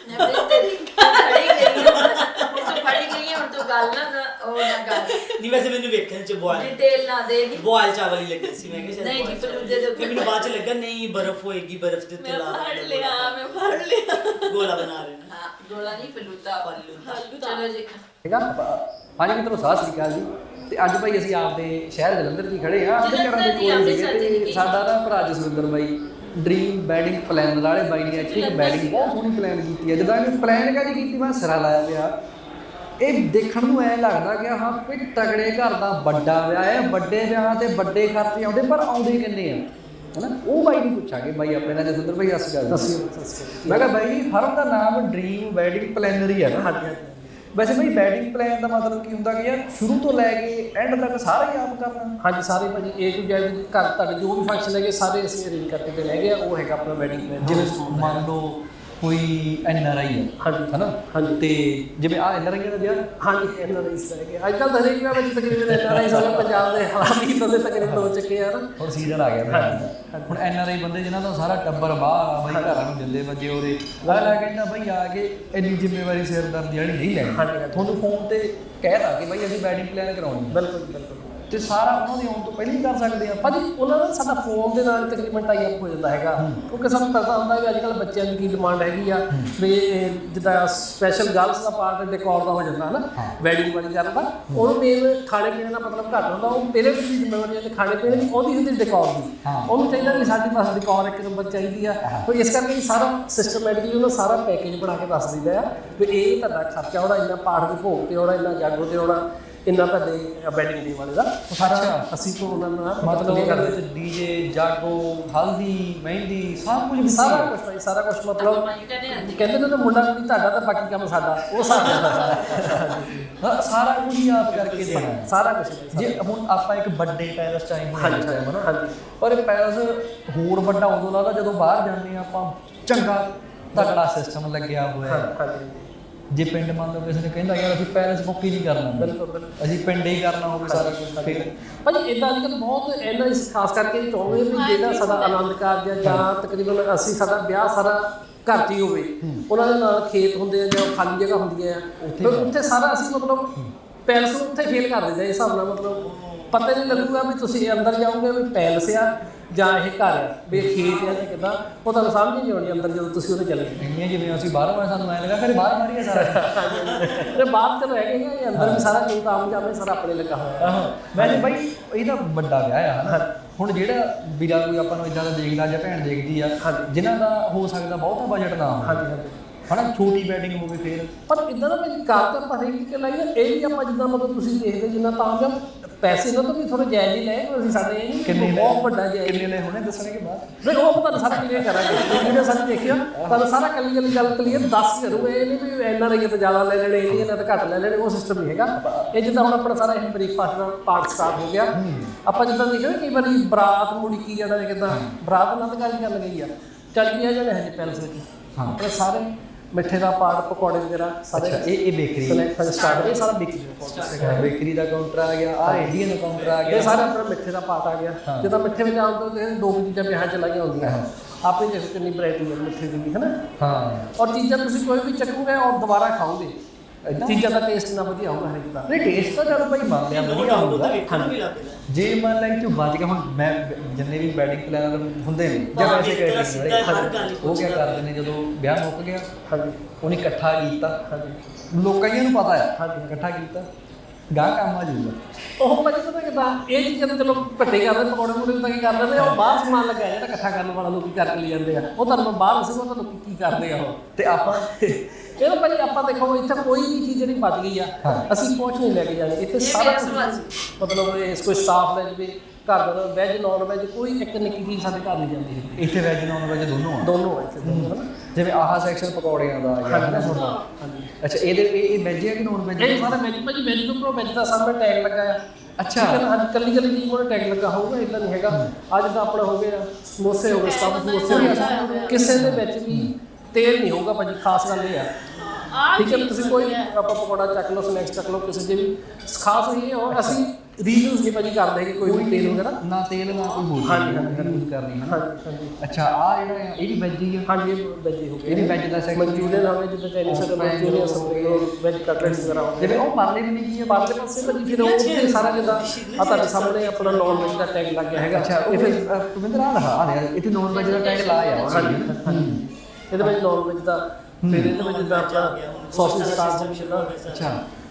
[SPEAKER 1] ਨਹੀਂ ਵੈਸੇ ਮੈਨੂੰ ਵੇਖਣ ਚ ਬੋਇਲ ਚਾਵਲ ਹੀ ਲੱਗੇ ਸੀ। ਮੈਂ ਕਿਹਾ
[SPEAKER 2] ਨਹੀਂ ਜੀ ਫਲੂਦੇ ਦੇ
[SPEAKER 1] ਉੱਤੇ ਮੈਨੂੰ ਬਾਅਦ ਚ ਲੱਗਾ ਨਹੀਂ ਬਰਫ਼ ਹੋਏਗੀ, ਬਰਫ਼ ਦੇ ਉੱਤੇ
[SPEAKER 3] ਮੈਂ ਫੜ ਲਿਆ
[SPEAKER 1] ਗੋਲਾ ਬਣਾ ਰਹੇ ਨੇ।
[SPEAKER 2] ਹਾਂ ਗੋਲਾ ਨਹੀਂ ਫਲੂਦਾ। ਚਲੋ ਜੀ
[SPEAKER 4] ਠੀਕ ਆ। ਹਾਂਜੀ ਮਿੱਤਰੋ ਸਤਿ ਸ੍ਰੀ ਅਕਾਲ ਜੀ। ਤੇ ਅੱਜ ਭਾਈ ਅਸੀਂ ਆਪਦੇ ਸ਼ਹਿਰ ਜਲੰਧਰ ਦੀ ਖੜੇ ਆ, ਆਪਦੇ ਘਰਾਂ ਦੇ ਕੋਲ ਸੀਗੇ ਤੇ ਸਾਡਾ ਨਾ ਭਰਾ ਜਸਵਿੰਦਰ ਬਾਈ ਡ੍ਰੀਮ ਵੈਡਿੰਗ ਪਲਾਨਰ ਵਾਲੇ ਬਾਈ ਨੇ ਐਕਚੁਅਲੀ ਇੱਕ ਵੈਡਿੰਗ ਬਹੁਤ ਸੋਹਣੀ ਪਲਾਨ ਕੀਤੀ ਹੈ। ਜਦੋਂ ਇਹਨੇ ਪਲਾਨ ਕਾਹਦੀ ਕੀਤੀ, ਮੈਂ ਸਿਰਾ ਲਾਇਆ ਪਿਆ। ਇਹ ਦੇਖਣ ਨੂੰ ਐਂ ਲੱਗਦਾ ਕਿ ਹਾਂ ਕੋਈ ਤਗੜੇ ਘਰ ਦਾ ਵੱਡਾ ਵਿਆਹ ਹੈ, ਵੱਡੇ ਵਿਆਹ ਤੇ ਵੱਡੇ ਖਰਚੇ ਆਉਂਦੇ, ਪਰ ਆਉਂਦੇ ਕਿੰਨੇ ਆ ਹਨਾ। ਉਹ ਬਾਈ ਨੂੰ ਪੁੱਛਾਂਗੇ। ਬਾਈ ਆਪਣੇ ਨਾਲ ਜਸਵਿੰਦਰ ਭਾਈ ਸਤਿ ਸ਼੍ਰੀ ਅਕਾਲ। ਮੈਂ ਕਿਹਾ ਬਾਈ ਜੀ ਫਰਮ ਦਾ ਨਾਮ ਡ੍ਰੀਮ ਵੈਡਿੰਗ ਪਲਾਨਰ ਹੀ ਹੈ ਨਾ। ਵੈਸੇ ਬਈ ਬੈਟਿੰਗ ਪਲਾਨ ਦਾ ਮਤਲਬ ਕੀ ਹੁੰਦਾ ਕਿ ਯਾਰ ਸ਼ੁਰੂ ਤੋਂ ਲੈ ਕੇ ਐਂਡ ਤੱਕ ਸਾਰਾ ਹੀ ਆਪ ਕਰਨਾ?
[SPEAKER 5] ਹਾਂਜੀ ਸਾਰੇ ਭਾਜੀ A to Z ਘਰ ਤੁਹਾਡੇ ਜੋ ਵੀ ਫੰਕਸ਼ਨ ਹੈਗੇ ਸਾਰੇ ਅਸੀਂ ਅਰੇਂਜ ਕਰਕੇ ਦੇ ਲੈ ਗਏ ਆ, ਉਹ ਹੈਗਾ ਆਪਣਾ ਵੈਡਿੰਗ ਪਲਾਨ।
[SPEAKER 4] ਜਿਵੇਂ ਮੰਨ ਲਓ ਕੋਈ NRI ਹੈ
[SPEAKER 5] ਹਾਂਜੀ
[SPEAKER 4] ਹਨਾ,
[SPEAKER 5] ਹਾਂਜੀ
[SPEAKER 4] ਤੇ ਜਿਵੇਂ ਆ NRI ਦਾ ਵਿਆਹ
[SPEAKER 5] ਹਾਂਜੀ NRI ਹੈਗੇ ਅੱਜ ਕੱਲ੍ਹ ਤਾਂ ਹਰੇਕ ਵਿਆਹ ਵਿੱਚ ਤਕਰੀਬਨ NRI ਸਾਰੇ ਪੰਜਾਬ ਦੇ ਹਾਲਾਤ ਹੀ ਤਾਂ ਤਕਰੀਬਨ ਹੋ ਚੁੱਕੇ ਆ ਨਾ।
[SPEAKER 4] ਹੁਣ ਸੀਜ਼ਨ ਆ ਗਿਆ ਵਿਆਹ ਦਾ। ਹੁਣ NRI ਬੰਦੇ ਜਿਨ੍ਹਾਂ ਦਾ ਸਾਰਾ ਟੱਬਰ ਬਾਹਰ ਆ ਬਈ ਘਰਾਂ ਨੂੰ ਦਿੰਦੇ ਵਜੇ ਉਹਦੇ ਅਗਲਾ ਕਹਿੰਦਾ ਬਈ ਆ ਕੇ ਇੰਨੀ ਜ਼ਿੰਮੇਵਾਰੀ ਸਿਰਦਰਦੀ ਵਾਲੀ ਨਹੀਂ ਲੈਣੀ।
[SPEAKER 5] ਹਾਂਜੀ
[SPEAKER 4] ਤੁਹਾਨੂੰ ਫੋਨ ਤੇ ਕਹਿਤਾ ਕਿ ਬਈ ਅਸੀਂ ਵੈਡਿੰਗ ਪਲਾਨ ਕਰਾਉਣੀ ਹੈ,
[SPEAKER 5] ਬਿਲਕੁਲ ਬਿਲਕੁਲ
[SPEAKER 4] ਤੇ ਸਾਰਾ ਉਹਨਾਂ ਦੇ ਆਉਣ ਤੋਂ ਪਹਿਲਾਂ ਹੀ ਕਰ ਸਕਦੇ ਆ।
[SPEAKER 5] ਭਾਜੀ ਉਹਨਾਂ ਦਾ ਸਾਡਾ ਫੋਨ ਦੇ ਨਾਲ ਤਕਰੀਬਨ ਟਾਈ ਅਪ ਹੋ ਜਾਂਦਾ ਹੈਗਾ, ਕਿਉਂਕਿ ਸਾਨੂੰ ਪਤਾ ਹੁੰਦਾ ਵੀ ਅੱਜ ਕੱਲ੍ਹ ਬੱਚਿਆਂ ਦੀ ਕੀ ਡਿਮਾਂਡ ਹੈਗੀ ਆ ਵੀ ਜਿੱਦਾਂ ਸਪੈਸ਼ਲ ਗਰਲਸ ਦਾ ਪਾਰਟ ਡੈਕੋਰ ਦਾ ਹੋ ਜਾਂਦਾ ਹੈ ਨਾ, ਵੈਡਿੰਗ ਵਾਲੀ ਗੱਲ ਦਾ ਉਹਨੂੰ ਮੇਨ ਖਾਣੇ ਪੀਣੇ ਦਾ ਮਤਲਬ ਘੱਟ ਹੁੰਦਾ, ਉਹ ਪੇਰੈਂਟਸ ਦੀ ਜ਼ਿੰਮੇਵਾਰੀ ਹੈ ਤੇ ਖਾਣੇ ਪੀਣੇ ਦੀ ਉਹਦੀ ਹੁੰਦੀ ਡੈਕੋਰ ਦੀ। ਉਹਨੂੰ ਚਾਹੀਦਾ ਵੀ ਸਾਡੇ ਪਾਸ ਡੈਕੋਰ ਇੱਕ ਨੰਬਰ ਚਾਹੀਦੀ ਆ, ਕੋਈ ਇਸ ਕਰਕੇ ਸਾਰਾ ਸਿਸਟਮੈਟਿਕਲੀ ਉਹਨੂੰ ਸਾਰਾ ਪੈਕੇਜ ਬਣਾ ਕੇ ਦੱਸ ਦਿੰਦਾ ਆ ਵੀ ਇਹ ਤੁਹਾਡਾ ਖਰਚਾ ਉਹਦਾ ਇੰਨਾ ਪਾਠ ਦੇ ਭੋਗ ਤੇ ਉਹਦਾ ਇੰਨਾ ਜਾਗੋ ਤੇ ਉਹਦਾ ਇੰਨਾ ਤੁਹਾਡੇ ਵੈਡਿੰਗ ਡੇ ਵਾਲੇ ਦਾ ਸਾਰਾ ਅਸੀਂ ਤੋਂ ਉਹਨਾਂ ਨਾਲ
[SPEAKER 4] ਮਤਲਬ ਉਹਦੇ ਵਿੱਚ ਡੀਜੇ ਜਾਗੋ ਹਲਦੀ ਮਹਿੰਦੀ ਸਭ ਕੁਝ
[SPEAKER 5] ਸਾਰਾ ਕੁਝ ਭਾਈ ਸਾਰਾ ਕੁਝ ਮਤਲਬ ਕਹਿੰਦੇ ਨੇ ਮੁੰਡਾ ਕੁੜੀ ਤੁਹਾਡਾ ਤਾਂ ਬਾਕੀ ਕੰਮ ਸਾਡਾ ਉਹ
[SPEAKER 4] ਸਾਰਾ ਕੁਝ ਹੀ ਆਪ ਕਰਕੇ ਦੇਣਾ
[SPEAKER 5] ਸਾਰਾ ਕੁਝ।
[SPEAKER 4] ਜੇ ਹੁਣ ਆਪਾਂ ਇੱਕ ਵੱਡੇ ਪੈਲਸ ਚਾਹੀ
[SPEAKER 5] ਹਾਂਜੀ
[SPEAKER 4] ਹਾਂਜੀ, ਪਰ ਇਹ ਪੈਲਸ ਹੋਰ ਵੱਡਾ ਉਦੋਂ ਲੱਗਦਾ ਜਦੋਂ ਬਾਹਰ ਜਾਂਦੇ ਆ ਆਪਾਂ, ਚੰਗਾ ਤਕੜਾ ਸਿਸਟਮ ਲੱਗਿਆ ਹੋਇਆ।
[SPEAKER 5] ਹਾਂਜੀ
[SPEAKER 4] ਜੇ ਪਿੰਡ ਮੰਨ ਲਓ ਕਿਸੇ ਨੇ ਕਹਿੰਦਾ ਯਾਰ ਅਸੀਂ ਪੈਲਸ ਬੁੱਕ ਹੀ ਨਹੀਂ ਕਰਨਾ,
[SPEAKER 5] ਬਿਲਕੁਲ
[SPEAKER 4] ਅਸੀਂ ਪਿੰਡ ਹੀ ਕਰਨਾ ਹੋਵੇ ਸਾਰਾ ਕੁਝ, ਫਿਰ
[SPEAKER 5] ਭਾਜੀ ਇੱਦਾਂ ਅੱਜ ਕੱਲ੍ਹ ਬਹੁਤ ਇਹਨਾਂ ਖਾਸ ਕਰਕੇ ਚਾਹੁੰਦੇ ਵੀ ਜਿਹੜਾ ਸਾਡਾ ਆਨੰਦ ਕਾਰਜ ਜਾਂ ਤਕਰੀਬਨ ਅਸੀਂ ਸਾਡਾ ਵਿਆਹ ਸਾਰਾ ਘਰ 'ਚ ਹੀ ਹੋਵੇ, ਉਹਨਾਂ ਦੇ ਨਾਲ ਖੇਤ ਹੁੰਦੇ ਆ ਜਾਂ ਖਾਲੀ ਜਗ੍ਹਾ ਹੁੰਦੀਆਂ ਆ, ਫਿਰ ਉੱਥੇ ਸਾਰਾ ਅਸੀਂ ਮਤਲਬ ਪੈਲਸ ਨੂੰ ਉੱਥੇ ਫੇਲ ਕਰ ਦਿੰਦੇ ਇਸ ਹਿਸਾਬ ਨਾਲ, ਮਤਲਬ ਪਤਾ ਨਹੀਂ ਲੱਗੂਗਾ ਵੀ ਤੁਸੀਂ ਅੰਦਰ ਜਾਓਗੇ ਵੀ ਪੈਲਸ ਆ ਜਾਂ ਇਹ ਘਰ ਆ ਵੀ ਖੇਤ ਆ ਜਾਂ ਕਿੱਦਾਂ, ਉਹ ਤੁਹਾਨੂੰ ਸਮਝ ਨਹੀਂ ਆਉਣੀ ਅੰਦਰ ਜਦੋਂ ਤੁਸੀਂ ਉਹਦੇ ਚਲੇ ਗਏ।
[SPEAKER 4] ਇੰਨੀਆਂ ਜਿਵੇਂ ਅਸੀਂ ਬਾਹਰੋਂ ਆਏ ਸਾਨੂੰ ਐਂ ਲੱਗਾ ਫਿਰ ਬਾਹਰ ਮਾਰੀਏ ਸਾਰਾ
[SPEAKER 5] ਤੇ ਬਾਅਦ ਚਲੋ ਹੈਗੇ ਇਹ ਅੰਦਰ ਵੀ ਸਾਰਾ ਜੋ ਕੰਮ ਜਾਂਦੇ ਸਾਰਾ ਆਪਣੇ ਲੱਗਾ ਹੋਇਆ।
[SPEAKER 4] ਵੈਸੇ ਬਾਈ ਇਹਦਾ ਵੱਡਾ ਵਿਆਹ ਆ ਹਨਾ, ਹੁਣ ਜਿਹੜਾ ਵੀਰਾ ਕੋਈ ਆਪਾਂ ਨੂੰ ਇਦਾਂ ਦਾ ਦੇਖਦਾ ਜਾਂ ਭੈਣ ਦੇਖਦੀ ਆ ਜਿਨ੍ਹਾਂ ਦਾ ਹੋ ਸਕਦਾ ਬਹੁਤਾ ਬਜਟ ਨਾ ਹੋਵੇ,
[SPEAKER 5] ਹਾਂਜੀ ਹਾਂਜੀ
[SPEAKER 4] ਹਨਾ ਛੋਟੀ ਵੈਡਿੰਗ ਹੋਵੇ ਫਿਰ,
[SPEAKER 5] ਪਰ ਇਦਾਂ ਦਾ ਭਾਜੀ ਕਾਰ ਤਾਂ ਆਪਾਂ ਹਰੇਕ ਕੇ ਲਾਈ ਇਹ ਵੀ ਆਪਾਂ ਜਿੱਦਾਂ ਮਤਲਬ ਤੁਸੀਂ ਦੇਖਦੇ ਜਿੰਨਾ ਤਾਂ ਜਾਂ ਪੈਸੇ ਇਹਨਾਂ ਤੋਂ ਵੀ ਥੋੜੇ ਜਾਇਜ਼ ਹੀ ਲਏ, ਅਸੀਂ ਸਾਡੇ ਇਹ ਨਹੀਂ ਬਹੁਤ ਵੱਡਾ ਜਾਇਜ਼
[SPEAKER 4] ਕਿੰਨੇ ਨੇ ਹੁਣੇ ਦੱਸਣਗੇ ਬਾਅਦ
[SPEAKER 5] ਫਿਰ ਉਹ ਤੁਹਾਨੂੰ ਸਾਰਾ ਕਲੀਅਰ ਕਰਾਂਗੇ ਵੀਡੀਓ ਸਾਡੀ ਦੇਖਿਓ ਤੁਹਾਨੂੰ ਸਾਰਾ ਕੱਲੀ ਗੱਲ ਕਲੀਅਰ ਦੱਸ ਕਰੂਗਾ। ਇਹ ਨਹੀਂ ਵੀ ਇੰਨਾ ਰਹੀਏ ਤਾਂ ਜ਼ਿਆਦਾ ਲੈ ਲੈਣੇ, ਇਹ ਨਾ ਤਾਂ ਘੱਟ ਲੈ ਲੈਣੇ, ਉਹ ਸਿਸਟਮ ਨਹੀਂ ਹੈਗਾ। ਇਹ ਜਿੱਦਾਂ ਹੁਣ ਆਪਣਾ ਸਾਰਾ ਇਹ ਬ੍ਰੇਕਫਾਸਟ ਦਾ ਪਾਰਟ ਸਟਾਰਟ ਹੋ ਗਿਆ, ਆਪਾਂ ਜਿੱਦਾਂ ਦੇਖਿਆ ਕਈ ਵਾਰੀ ਬਰਾਤ ਮੁੜੀ ਕੀ ਜਾਂਦਾ ਕਿੱਦਾਂ ਬਰਾਤ ਨਾਲ ਤਾਂ ਗੱਲ ਗਈ ਆ 40 ਜਣੇ ਹੈ ਜੀ ਪੈਲਸ ਵਿੱਚ, ਆਪਣੇ ਸਾਰੇ ਮਿੱਠੇ ਦਾ ਪਾਰਟ ਪਕੌੜੇ ਵਗੈਰਾ ਸਾਰੇ
[SPEAKER 4] ਇਹ ਬੇਕਰੀ
[SPEAKER 5] ਸਟਾਰਟ ਇਹ ਸਾਰਾ
[SPEAKER 4] ਬੇਕਰੀ ਦਾ ਕਾਊਂਟਰ ਆ ਗਿਆ, ਆ ਇੰਡੀਅਨ ਦਾ ਕਾਊਂਟਰ ਆ ਗਿਆ,
[SPEAKER 5] ਇਹ ਸਾਰਾ ਆਪਣਾ ਮਿੱਠੇ ਦਾ ਪਾਰਟ ਆ ਗਿਆ। ਜਿੱਦਾਂ ਮਿੱਠੇ ਵਿੱਚ ਆਉਣ ਤੋਂ ਦੋ ਚੀਜ਼ਾਂ ਵਿਆਹਾਂ ਚ ਲਾਈਆਂ ਹੁੰਦੀਆਂ ਆਪੇ ਦੇਖੋ ਕਿੰਨੀ ਵੈਰਾਈਟੀ ਹੈ ਮਿੱਠੇ ਦੀ ਵੀ ਹੈ ਨਾ।
[SPEAKER 4] ਹਾਂ
[SPEAKER 5] ਔਰ ਚੀਜ਼ਾਂ ਤੁਸੀਂ ਕੋਈ ਵੀ ਚੱਕੋਗੇ ਔਰ ਦੁਬਾਰਾ ਖਾਓਗੇ, ਚੀਜ਼ਾਂ ਦਾ ਟੇਸਟ ਨਾ ਵਧੀਆ ਹੋਊਗਾ ਹਰੇਕ ਦਾ।
[SPEAKER 4] ਨਹੀਂ ਟੇਸਟ ਤਾਂ ਚਲੋ ਭਾਈ ਮੰਨ ਲਿਆ ਵਧੀਆ ਹੋਊਗਾ,
[SPEAKER 1] ਵੀ ਲੱਗਦਾ
[SPEAKER 4] ਜੇ ਮੰਨ ਲੈ ਕਿ ਬਚ ਗਿਆ ਹੁਣ ਮੈਂ ਜਿੰਨੇ ਵੀ ਵੈਡਿੰਗ ਪਲਾਨਰ ਹੁੰਦੇ ਨੇ ਜਾਂ ਵੈਸੇ ਕੈਟਰਿੰਗ ਵਾਲੇ ਉਹ ਕੀ ਕਰਦੇ ਨੇ ਜਦੋਂ ਵਿਆਹ ਮੁੱਕ ਗਿਆ
[SPEAKER 5] ਹਾਂਜੀ
[SPEAKER 4] ਉਹਨੇ ਇਕੱਠਾ ਕੀਤਾ,
[SPEAKER 5] ਹਾਂਜੀ
[SPEAKER 4] ਲੋਕਾਂ ਨੂੰ ਪਤਾ ਹੈ ਇਕੱਠਾ ਕੀਤਾ ਗਾਹ ਕੰਮ ਆ ਜੂਗਾ।
[SPEAKER 5] ਉਹ ਭਾਜੀ ਪਤਾ ਕਿੱਦਾਂ ਇਹ ਚੀਜ਼ਾਂ ਤਾਂ ਚਲੋ ਭੱਟੇ ਕਰਦੇ ਪਕੌੜੇ ਪਕੌੜੇ ਤਾਂ ਕੀ ਕਰ ਲੈਂਦੇ ਉਹ ਬਾਹਰ ਸਮਾਨ ਲੱਗਾ ਜਿਹੜਾ ਇਕੱਠਾ ਕਰਨ ਵਾਲਾ ਲੋਕੀ ਕਰਕੇ ਲੈ ਜਾਂਦੇ ਆ, ਉਹ ਤੁਹਾਨੂੰ ਬਾਹਰ ਦੱਸੂਗਾ ਤਾਂ ਲੋਕੀ ਕੀ ਕਰਦੇ ਆ ਉਹ।
[SPEAKER 4] ਤੇ ਆਪਾਂ
[SPEAKER 5] ਇਹ ਤਾਂ ਭਾਜੀ ਆਪਾਂ ਦੇਖੋ ਇੱਥੇ ਕੋਈ ਵੀ ਚੀਜ਼ ਜਿਹੜੀ ਬਚ ਗਈ ਆ ਅਸੀਂ ਕੁਛ ਨਹੀਂ ਲੈ ਕੇ ਜਾਣੀ, ਇੱਥੇ ਸਾਰਾ ਮਤਲਬ ਇਸ ਕੋਈ ਸਟਾਫ ਲੈ ਜਵੇ ਘਰ ਦਾ ਵੈਜ ਨੌਨ ਵੈਜ ਕੋਈ ਇੱਕ ਨਿੱਕੀ ਚੀਜ਼ ਸਾਡੇ ਘਰ ਨਹੀਂ ਜਾਂਦੀ ਹੈ।
[SPEAKER 4] ਇੱਥੇ ਵੈਜ ਨੌਨ ਵੈਜ ਦੋਨੋਂ ਆ
[SPEAKER 5] ਦੋਨੋਂ ਆ ਇੱਥੇ ਦੋਨੋਂ ਹਨਾ।
[SPEAKER 4] ਜਿਵੇਂ ਆਹ ਸੈਕਸ਼ਨ ਪਕੌੜਿਆਂ ਦਾ ਆ ਗਿਆ ਤੁਹਾਡਾ, ਅੱਛਾ ਇਹਦੇ ਇਹ ਵੈਜ ਹੈ ਕਿ ਨੌਨ ਵੈਜ?
[SPEAKER 5] ਇਹ ਸਾਰਾ ਵੈਜ ਭਾਜੀ ਵੈਜ ਤੋਂ ਵੈਜ ਦਾ ਸਾਹਮਣੇ ਟੈਗ ਲੱਗਾ ਆ।
[SPEAKER 4] ਅੱਛਾ
[SPEAKER 5] ਅੱਜ ਕੱਲੀ ਚੀਜ਼ ਕੋਲ ਟੈਗ ਲੱਗਾ ਹੋਊਗਾ, ਇਦਾਂ ਨਹੀਂ ਹੈਗਾ। ਅੱਜ ਤਾਂ ਆਪਣਾ ਹੋ ਗਿਆ ਸਮੋਸੇ ਹੋ ਗਏ, ਸਟਾਫ ਸਮੋਸੇ ਹੋ ਗਏ, ਕਿਸੇ ਦੇ ਵਿੱਚ ਵੀ ਤੇਲ ਨਹੀਂ ਹੋਊਗਾ ਭਾਜੀ, ਖਾਸ ਗੱਲ ਇਹ ਆ। ਠੀਕ ਹੈ ਤੁਸੀਂ ਕੋਈ ਆਪਾਂ ਪਕੌੜਾ ਚੱਕ ਲਓ ਸਨੈਕਸ ਚੱਕ ਲਓ ਕਿਸੇ ਦੇ ਵੀ ਖਾਸ ਇਹ ਔਰ ਅਸੀਂ ਰੀਯੂਜ਼ ਨਹੀਂ ਭਾਜੀ ਕਰਦੇ ਕਿ ਕੋਈ ਵੀ ਤੇਲ ਵਗੈਰਾ
[SPEAKER 4] ਨਾ ਤੇਲ ਨਾ ਕੋਈ ਹੋਰ ਯੂਜ਼ ਕਰਨੀ ਹੈ।
[SPEAKER 5] ਹਾਂਜੀ
[SPEAKER 4] ਅੱਛਾ ਆ ਜਿਹੜਾ ਆ ਇਹ ਵੀ ਵੈਜ ਹੀ ਆ?
[SPEAKER 5] ਹਾਂਜੀ ਇਹ ਵੈਜ ਹੀ ਹੋ ਗਿਆ,
[SPEAKER 4] ਇਹ ਵੀ ਵੈਜ ਦਾ ਸੈਕਸ਼ਨ
[SPEAKER 5] ਮਨਚੂਰੀਅਨ ਹੋਵੇ ਜਿੱਦਾਂ ਚਾਈਨੀਜ਼ ਦਾ ਮਨਚੂਰੀਅਨ ਹੋਵੇ, ਵੈਜ ਕਟਲੈਟਸ ਵਗੈਰਾ ਹੋਵੇ।
[SPEAKER 4] ਜਿਵੇਂ ਉਹ ਪਰਲੇ ਵੀ ਕੀ ਹੈ
[SPEAKER 5] ਪਰਲੇ ਪਾਸੇ ਭਾਜੀ ਫਿਰ ਉਹ ਸਾਰਾ ਜਿੱਦਾਂ ਆ ਤੁਹਾਡੇ ਸਾਹਮਣੇ ਆਪਣਾ ਨੌਨ ਵੈਜ ਦਾ ਟੈਗ ਲੱਗ ਗਿਆ ਹੈਗਾ।
[SPEAKER 4] ਅੱਛਾ ਇਹ ਫਿਰ ਤੁਮਿੰਦਰ ਆ ਰਿਹਾ ਇੱਥੇ ਨੌਨ ਵੈਜ ਦਾ ਟੈਗ ਲਾਇਆ ਆ।
[SPEAKER 5] ਹਾਂਜੀ ਇਹਦੇ ਵਿੱਚ ਨੌਨ ਵੈਜ ਦਾ ਫਿਰ ਇਹਦੇ ਵਿੱਚ ਜਿੱਦਾਂ ਆਪਣਾ ਸੌਸੇਜ ਸਟਾਰਟ ਹੋ ਗਿਆ।
[SPEAKER 4] ਅੱਛਾ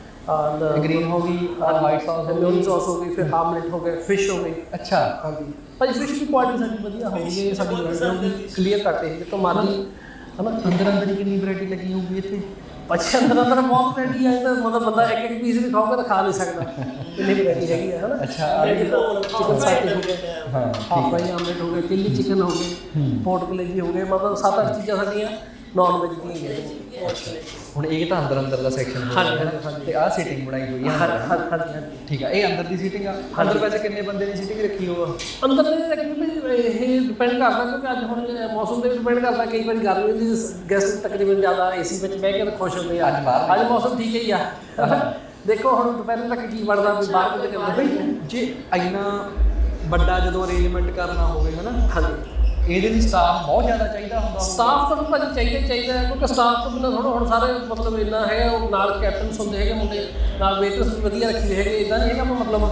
[SPEAKER 5] ਔਰ
[SPEAKER 4] ਗ੍ਰੀਨ ਹੋ ਗਈ ਔਰ ਵਾਈਟ ਸੌਸ ਹੋ
[SPEAKER 5] ਮਿਓਨੀ
[SPEAKER 4] ਗਈ,
[SPEAKER 5] ਸੌਸ ਹੋ ਗਈ, ਫਿਰ ਆਮਲੇਟ ਹੋ ਗਿਆ, ਫਿਸ਼ ਹੋ ਗਈ।
[SPEAKER 4] ਅੱਛਾ
[SPEAKER 5] ਹਾਂਜੀ ਭਾਜੀ ਫਿਸ਼ ਦੀ ਕੁਆਲਿਟੀ ਸਾਡੀ ਵਧੀਆ ਹੋਊਗੀ, ਇਹ ਸਾਡੀ ਵੈਰਾਈਟੀ ਕਲੀਅਰ ਕਰਦੇ ਸੀ ਜਿੱਥੋਂ ਮਰਜ਼ੀ ਹਨਾ।
[SPEAKER 4] ਅੰਦਰ ਹੀ ਕਿੰਨੀ ਵੈਰਾਈਟੀ ਲੱਗੀ ਹੋਊਗੀ ਇੱਥੇ?
[SPEAKER 5] ਅੱਛਾ ਅੰਦਰ ਬਹੁਤ ਵੈਰਾਈਟੀ ਹੈ, ਤਾਂ ਮਤਲਬ ਬੰਦਾ ਇੱਕ ਇੱਕ ਪੀਸ ਵੀ ਖਾਊਗਾ ਤਾਂ ਖਾ ਨਹੀਂ ਸਕਦਾ, ਇੰਨੀ ਵੈਰਾਈਟੀ ਹੈਗੀ ਹੈ ਹਨਾ।
[SPEAKER 4] ਅੱਛਾ
[SPEAKER 5] ਚਿਕਨ ਸਾਟੇ ਹੋ ਗਏ,
[SPEAKER 4] ਹਾਂ
[SPEAKER 5] ਹਾਫ ਫਰਾਈ ਆਮਲੇਟ ਹੋ ਗਏ, ਚਿੱਲੀ ਚਿਕਨ ਹੋ ਗਏ, ਪੋਰਟ ਕਲੇਜੀ ਹੋ ਗਏ, ਮਤਲਬ 7-8 ਚੀਜ਼ਾਂ ਸਾਡੀਆਂ ਨਾਨ ਵੈਜ ਦੀਆਂ ਹੈਗੀਆਂ।
[SPEAKER 4] ਹੁਣ ਇਹ ਤਾਂ ਅੰਦਰ ਦਾ ਸੈਕਸ਼ਨ ਹੋ
[SPEAKER 5] ਹਾਂਜੀ,
[SPEAKER 4] ਗਿਆ
[SPEAKER 5] ਹਾਂਜੀ।
[SPEAKER 4] ਤੇ ਆਹ ਸੀਟਿੰਗ ਬਣਾਈ ਹੋਈ ਹੈ
[SPEAKER 5] ਹਾਂਜੀ।
[SPEAKER 4] ਠੀਕ ਆ, ਇਹ ਅੰਦਰ ਦੀ ਸੀਟਿੰਗ ਆ। ਅੰਦਰ ਵੈਸੇ ਕਿੰਨੇ ਬੰਦੇ ਦੀ ਸੀਟਿੰਗ ਰੱਖੀ ਹੋਆ?
[SPEAKER 5] ਅੰਦਰ ਇਹ ਡਿਪੈਂਡ ਕਰਦਾ ਕਿਉਂਕਿ ਅੱਜ ਹੁਣ ਮੌਸਮ ਤੇ ਵੀ ਡਿਪੈਂਡ ਕਰਦਾ। ਕਈ ਵਾਰੀ ਗਰਮੀ ਦੀ ਗੈਸਟ ਤਕਰੀਬਨ ਜ਼ਿਆਦਾ ਏਸੀ ਵਿੱਚ ਬਹਿ ਕੇ ਖੁਸ਼ ਹੁੰਦੇ ਆ। ਅੱਜ ਮੌਸਮ ਠੀਕ ਹੀ ਆ। ਦੇਖੋ ਹੁਣ ਦੁਪਹਿਰ ਤੱਕ ਕੀ ਬਣਦਾ ਵੀ ਬਾਹਰ ਕਿਤੇ ਕਰਦੇ।
[SPEAKER 4] ਜੇ ਇੰਨਾ ਵੱਡਾ ਜਦੋਂ ਅਰੇਂਜਮੈਂਟ ਕਰਨਾ ਹੋਵੇ ਹਨਾ,
[SPEAKER 5] ਹਾਂਜੀ,
[SPEAKER 4] ਇਹਦੇ ਲਈ ਸਟਾਫ ਬਹੁਤ ਜ਼ਿਆਦਾ ਚਾਹੀਦਾ ਹੁੰਦਾ।
[SPEAKER 5] ਸਟਾਫ ਤਾਂ ਭਾਜੀ ਚਾਹੀਦਾ ਹੈ ਕਿਉਂਕਿ ਸਟਾਫ ਤੋਂ ਬਿਨਾਂ ਥੋੜਾ ਹੁਣ ਸਾਰੇ ਮਤਲਬ ਇੰਨਾ ਹੈਗਾ। ਉਹ ਨਾਲ ਕੈਪਟਨਸ ਹੁੰਦੇ ਹੈਗੇ ਮੁੰਡੇ, ਨਾਲ ਵੇਟਰਸ ਵੀ ਵਧੀਆ ਰੱਖੇ ਹੋਏ ਹੈਗੇ। ਇਦਾਂ ਨਹੀਂ ਹੈਗਾ ਮਤਲਬ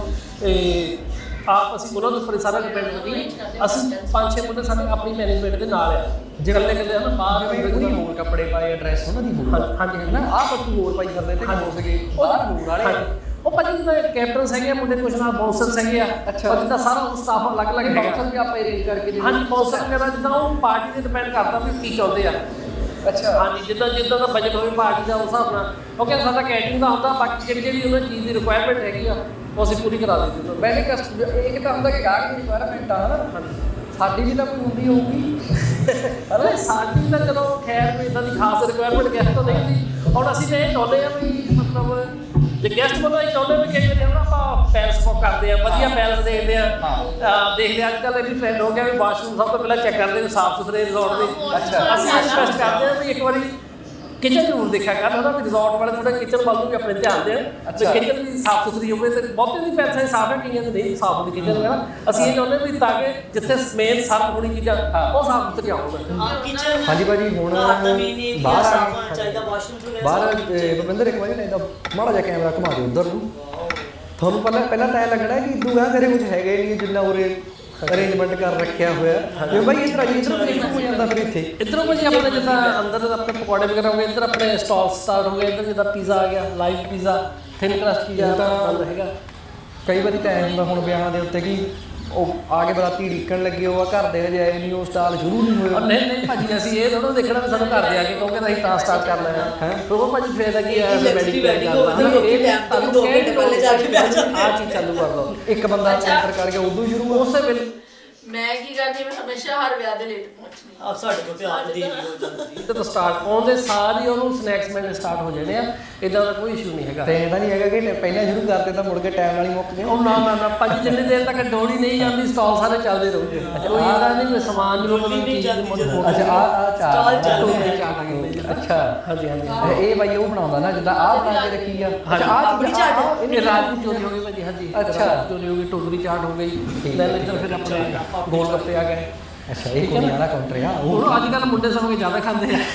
[SPEAKER 5] ਆਪ ਅਸੀਂ ਉਹਨਾਂ ਦੇ ਉੱਪਰ ਸਾਰਾ ਡਿਪੈਂਡ ਕਰੀਏ। ਅਸੀਂ 5-6 ਮੁੰਡੇ ਸਾਡੇ ਆਪਣੀ ਮੈਨੇਜਮੈਂਟ ਦੇ ਨਾਲ ਆ। ਜੇ ਇਕੱਲੇ ਹਨ ਬਾਹਰ
[SPEAKER 4] ਕੋਈ ਹੋਰ ਕੱਪੜੇ ਪਾਏ, ਡਰੈਸ ਉਹਨਾਂ ਦੀ ਹੋਰ।
[SPEAKER 5] ਹਾਂਜੀ
[SPEAKER 4] ਨਾ ਆਹ ਪੱਤੂ ਹੋਰ ਪਾਈ ਕਰਦੇ ਤੇ ਹੋ ਸਕੇ ਬਾਹਰ ਹੋਰ ਵਾਲੇ।
[SPEAKER 5] ਉਹ ਭਾਜੀ ਜਿੱਦਾਂ ਕੈਪਟਨਸ ਹੈਗੇ ਮੁੰਡੇ, ਕੁਛ ਨਾਲ ਬਾਉਂਸਰਸ ਹੈਗੇ ਆ।
[SPEAKER 4] ਅੱਛਾ,
[SPEAKER 5] ਜਿੱਦਾਂ ਸਾਰਾ ਉਹ ਸਟਾਫ ਅਲੱਗ-ਅਲੱਗ ਹੈਗਾ।
[SPEAKER 4] ਬਾਉਂਸਰ ਵੀ ਆਪਾਂ ਅਰੇਂਜ ਕਰਕੇ
[SPEAKER 5] ਹਾਂਜੀ, ਬਾਉਂਸਰ ਵਗੈਰਾ ਜਿੱਦਾਂ ਉਹ ਪਾਰਟੀ ਤੇ ਡਿਪੈਂਡ ਕਰਦਾ ਵੀ ਕੀ ਚਾਹੁੰਦੇ ਆ।
[SPEAKER 4] ਅੱਛਾ,
[SPEAKER 5] ਹਾਂਜੀ, ਜਿੱਦਾਂ ਦਾ ਬਜਟ ਹੋਵੇ ਪਾਰਟੀ ਦਾ ਉਸ ਹਿਸਾਬ ਨਾਲ। ਕਿਉਂਕਿ ਸਾਡਾ ਕੈਟਰਿੰਗ ਦਾ ਹੁੰਦਾ, ਬਾਕੀ ਜਿਹੜੀ ਉਹਨਾਂ ਚੀਜ਼ ਦੀ ਰਿਕੁਆਇਰਮੈਂਟ ਹੈਗੀ ਆ ਉਹ ਅਸੀਂ ਪੂਰੀ ਕਰਾ ਦਿੰਦੇ ਹਾਂ।
[SPEAKER 4] ਪਹਿਲੇ ਇਹ ਤਾਂ ਹੁੰਦਾ ਕਿ ਗਾਹਕ ਦੀ ਰਿਕੁਆਇਰਮੈਂਟ ਆ ਹਨਾ, ਸਾਡੀ ਵੀ ਤਾਂ ਕੋਈ ਹੁੰਦੀ ਹੋਊਗੀ।
[SPEAKER 5] ਅਰੇ ਸਾਡੀ ਤਾਂ ਚਲੋ ਖੈਰ ਵੀ ਇਦਾਂ ਦੀ ਖਾਸ ਰਿਕੁਆਇਰਮੈਂਟ ਗੈਸਟ ਤੋਂ ਨਹੀਂ ਹੁੰਦੀ। ਹੁਣ ਅਸੀਂ ਤਾਂ ਇਹ ਚਾਹੁੰਦੇ ਆ ਵੀ ਮਤਲਬ ਜੇ ਗੈਸਟ ਬੰਦਾ ਇਹ ਚਾਹੁੰਦੇ ਵੀ ਕਈ ਵਾਰੀ ਆਪਾਂ ਪੈਲਸ ਬੁੱਕ ਕਰਦੇ ਆ, ਵਧੀਆ ਪੈਲਸ ਦੇਖਦੇ ਆ। ਦੇਖਦੇ ਅੱਜ ਕੱਲ੍ਹ ਇਹ ਵੀ ਟ੍ਰੈਂਡ ਹੋ ਗਿਆ ਵੀ ਵਾਸ਼ਰੂਮ ਸਭ ਤੋਂ ਪਹਿਲਾਂ ਚੈੱਕ ਕਰਦੇ ਨੇ ਸਾਫ਼ ਸੁਥਰੇ ਰਿਜ਼ੋਰਟ ਦੇ।
[SPEAKER 4] ਅੱਛਾ,
[SPEAKER 5] ਅਸੀਂ ਰਿਕੁਐਸਟ ਕਰਦੇ ਆ ਵੀ ਇੱਕ ਵਾਰੀ ਕਿਚਨ ਜ਼ਰੂਰ ਦੇਖਿਆ ਕਰ ਹਨਾ, ਵੀ ਰਿਜ਼ੋਰਟ ਵਾਲੇ ਥੋੜਾ ਕਿਚਨ ਵੱਲ ਨੂੰ ਵੀ ਆਪਣੇ ਧਿਆਨ ਦੇਣ। ਤੇ ਕਿਚਨ ਵੀ ਸਾਫ਼ ਸੁਥਰੀ ਹੋਵੇ ਤੇ ਬਹੁਤੇ ਦੀ ਪੈਲਸਾਂ ਸਾਫ਼ ਹੈ, ਕਈਆਂ ਦੇ ਨਹੀਂ ਸਾਫ਼ ਹੁੰਦੀ ਕਿਚਨ ਵਗੈਰਾ। ਅਸੀਂ ਇਹ ਚਾਹੁੰਦੇ ਵੀ ਤਾਂ ਕਿ ਜਿੱਥੇ ਮੇਨ ਸਰਵ ਹੋਣੀ ਚੀਜ਼ਾਂ ਉਹ ਸਾਫ਼ ਸੁਥਰੀਆਂ ਹੋਣ।
[SPEAKER 1] ਕਿਚਨ
[SPEAKER 4] ਹਾਂਜੀ ਭਾਜੀ ਹੁਣ
[SPEAKER 1] ਬਾਹਰ ਸਾਫ ਚਾਹੀਦਾ, ਵਾਸ਼ਰੂਮ
[SPEAKER 4] ਬਾਹਰ ਭੁਪਿੰਦਰ ਇੱਕ ਵਾਰੀ ਨਾ ਇਹਦਾ ਮਾੜਾ ਜਿਹਾ ਕੈਮਰਾ ਘੁਮਾ ਦਿਓ ਉਧਰ ਨੂੰ। ਤੁਹਾਨੂੰ ਪਹਿਲਾਂ ਤਾਂ ਇਹ ਲੱਗਣਾ ਕਿ ਇਦੋਂ ਗਾ ਕਰੇ ਕੁਝ ਹੈਗਾ ਹੀ ਨਹੀਂ ਜਿੰਨਾ ਉਰੇ ਅਰੇਂਜਮੈਂਟ ਕਰ ਰੱਖਿਆ ਹੋਇਆ। ਜੇ ਭਾਈ ਇੱਧਰ ਹੋ ਜਾਂਦਾ ਫਿਰ ਇੱਥੇ
[SPEAKER 5] ਇੱਧਰੋਂ ਭਾਜੀ ਆਪਣੇ ਜਿੱਦਾਂ ਅੰਦਰ ਆਪਣੇ ਪਕੌੜੇ ਵਗੈਰਾ ਹੋ ਗਏ, ਇੱਧਰ ਆਪਣੇ ਸਟਾਲ ਸਟਾਰਟ ਹੋ ਗਏ। ਇੱਧਰ ਜਿੱਦਾਂ ਪੀਜ਼ਾ ਆ ਗਿਆ, live pizza, thin crust pizza ਤਾਂ ਹੈਗਾ।
[SPEAKER 4] ਕਈ ਵਾਰੀ ਤਾਂ ਐਂ ਹੁੰਦਾ ਹੁਣ ਵਿਆਹਾਂ ਦੇ ਉੱਤੇ ਕਿ ਉਹ ਆ ਕੇ ਬਰਾਤੀ ਢੀਕਣ ਲੱਗੇ, ਉਹ ਘਰ ਦੇ ਹਜੇ ਆਏ ਨਹੀਂ, ਉਹ ਸਟਾਲ ਸ਼ੁਰੂ ਨਹੀਂ ਹੋਇਆ।
[SPEAKER 5] ਨਹੀਂ ਭਾਜੀ, ਅਸੀਂ ਇਹ ਥੋੜਾ ਦੇਖਣਾ ਵੀ ਸਾਨੂੰ ਘਰ ਦੇ ਆ ਕੇ ਕਹੋਗੇ ਤਾਂ ਅਸੀਂ ਤਾਂ ਸਟਾਰਟ ਕਰਨਾ ਹੈ। ਉਹ ਭਾਜੀ ਫੇਰ ਕੀ ਹੈ ਆਹ ਚੀਜ਼ ਚਾਲੂ ਕਰ ਲਓ।
[SPEAKER 4] ਇੱਕ ਬੰਦਾ ਐਂਟਰ ਕਰਕੇ ਉਦੋਂ ਸ਼ੁਰੂ
[SPEAKER 5] ਉਸੇ ਵੇਲੇ
[SPEAKER 2] ਮੈਂ ਕੀ ਕਰਦੀ, ਮੈਂ ਹਮੇਸ਼ਾ ਹਰ ਵਿਆਹ ਦੇ ਲੇਟ ਪਹੁੰਚਦੀ।
[SPEAKER 1] ਆਪ ਸਾਡੇ ਕੋਲ ਤੇ ਆਪ ਦੀ ਹੋ ਜਾਂਦੀ
[SPEAKER 5] ਇੱਧਰ ਤੋਂ ਸਟਾਰਟ ਆਉਂਦੇ ਸਾਰ ਹੀ ਉਹਨੂੰ ਸਨੈਕਸ ਮਿਲਣੇ ਸਟਾਰਟ ਹੋ ਜਾਣੇ ਆ। ਇਦਾਂ ਦਾ ਕੋਈ ਇਸ਼ੂ ਨਹੀਂ ਹੈਗਾ।
[SPEAKER 4] ਤੇ ਇਹਦਾ ਨਹੀਂ ਹੈਗਾ ਕਿ ਪਹਿਲਾਂ ਸ਼ੁਰੂ ਕਰਦੇ ਤਾਂ ਮੁੜ ਕੇ ਟਾਈਮ ਨਾਲ ਹੀ ਮੁੱਕ ਗਏ।
[SPEAKER 5] ਉਹ ਨਾ ਭਾਜੀ, ਜਿੰਨੀ ਦੇਰ ਤੱਕ ਡੋਲੀ ਨਹੀਂ ਜਾਂਦੀ ਸਟਾਲ ਸਾਰੇ ਚੱਲਦੇ ਰਹੂਗੇ। ਕੋਈ ਇਦਾਂ ਨਹੀਂ ਸਮਾਨ ਨੂੰ ਚੀਜ਼
[SPEAKER 4] ਅੱਛਾ, ਆ
[SPEAKER 1] ਸਟਾਲ ਚੱਲ
[SPEAKER 4] ਅੱਛਾ,
[SPEAKER 5] ਹਾਂਜੀ ਹਾਂਜੀ।
[SPEAKER 4] ਇਹ ਬਾਈ ਉਹ ਬਣਾਉਂਦਾ ਨਾ ਜਿੱਦਾਂ ਆਹ ਬਣਾ ਕੇ ਰੱਖੀ ਆ। ਅੱਛਾ,
[SPEAKER 1] ਆਪਣੀ ਚਾਟ
[SPEAKER 5] ਇਹ ਰਾਜੂ ਚੋਰੀ ਹੋ ਗਈ ਭਾਜੀ। ਹਾਂਜੀ,
[SPEAKER 4] ਅੱਛਾ,
[SPEAKER 5] ਚੋਰੀ ਹੋ ਗਈ, ਟੋਕਰੀ ਚਾਟ ਹੋ ਗਈ। ਲੈਣ ਇੱਧਰ ਫਿਰ ਆਪਣੇ ਗੋਲ ਗੱਪੇ ਆ ਗਏ।
[SPEAKER 4] ਅੱਛਾ, ਇਹ ਕੋਈ ਵਾਲਾ ਕਾਊਂਟਰ ਆ।
[SPEAKER 5] ਉਹ ਅੱਜ ਕੱਲ੍ਹ ਮੁੰਡੇ ਸਭ ਜ਼ਿਆਦਾ ਖਾਂਦੇ ਆ।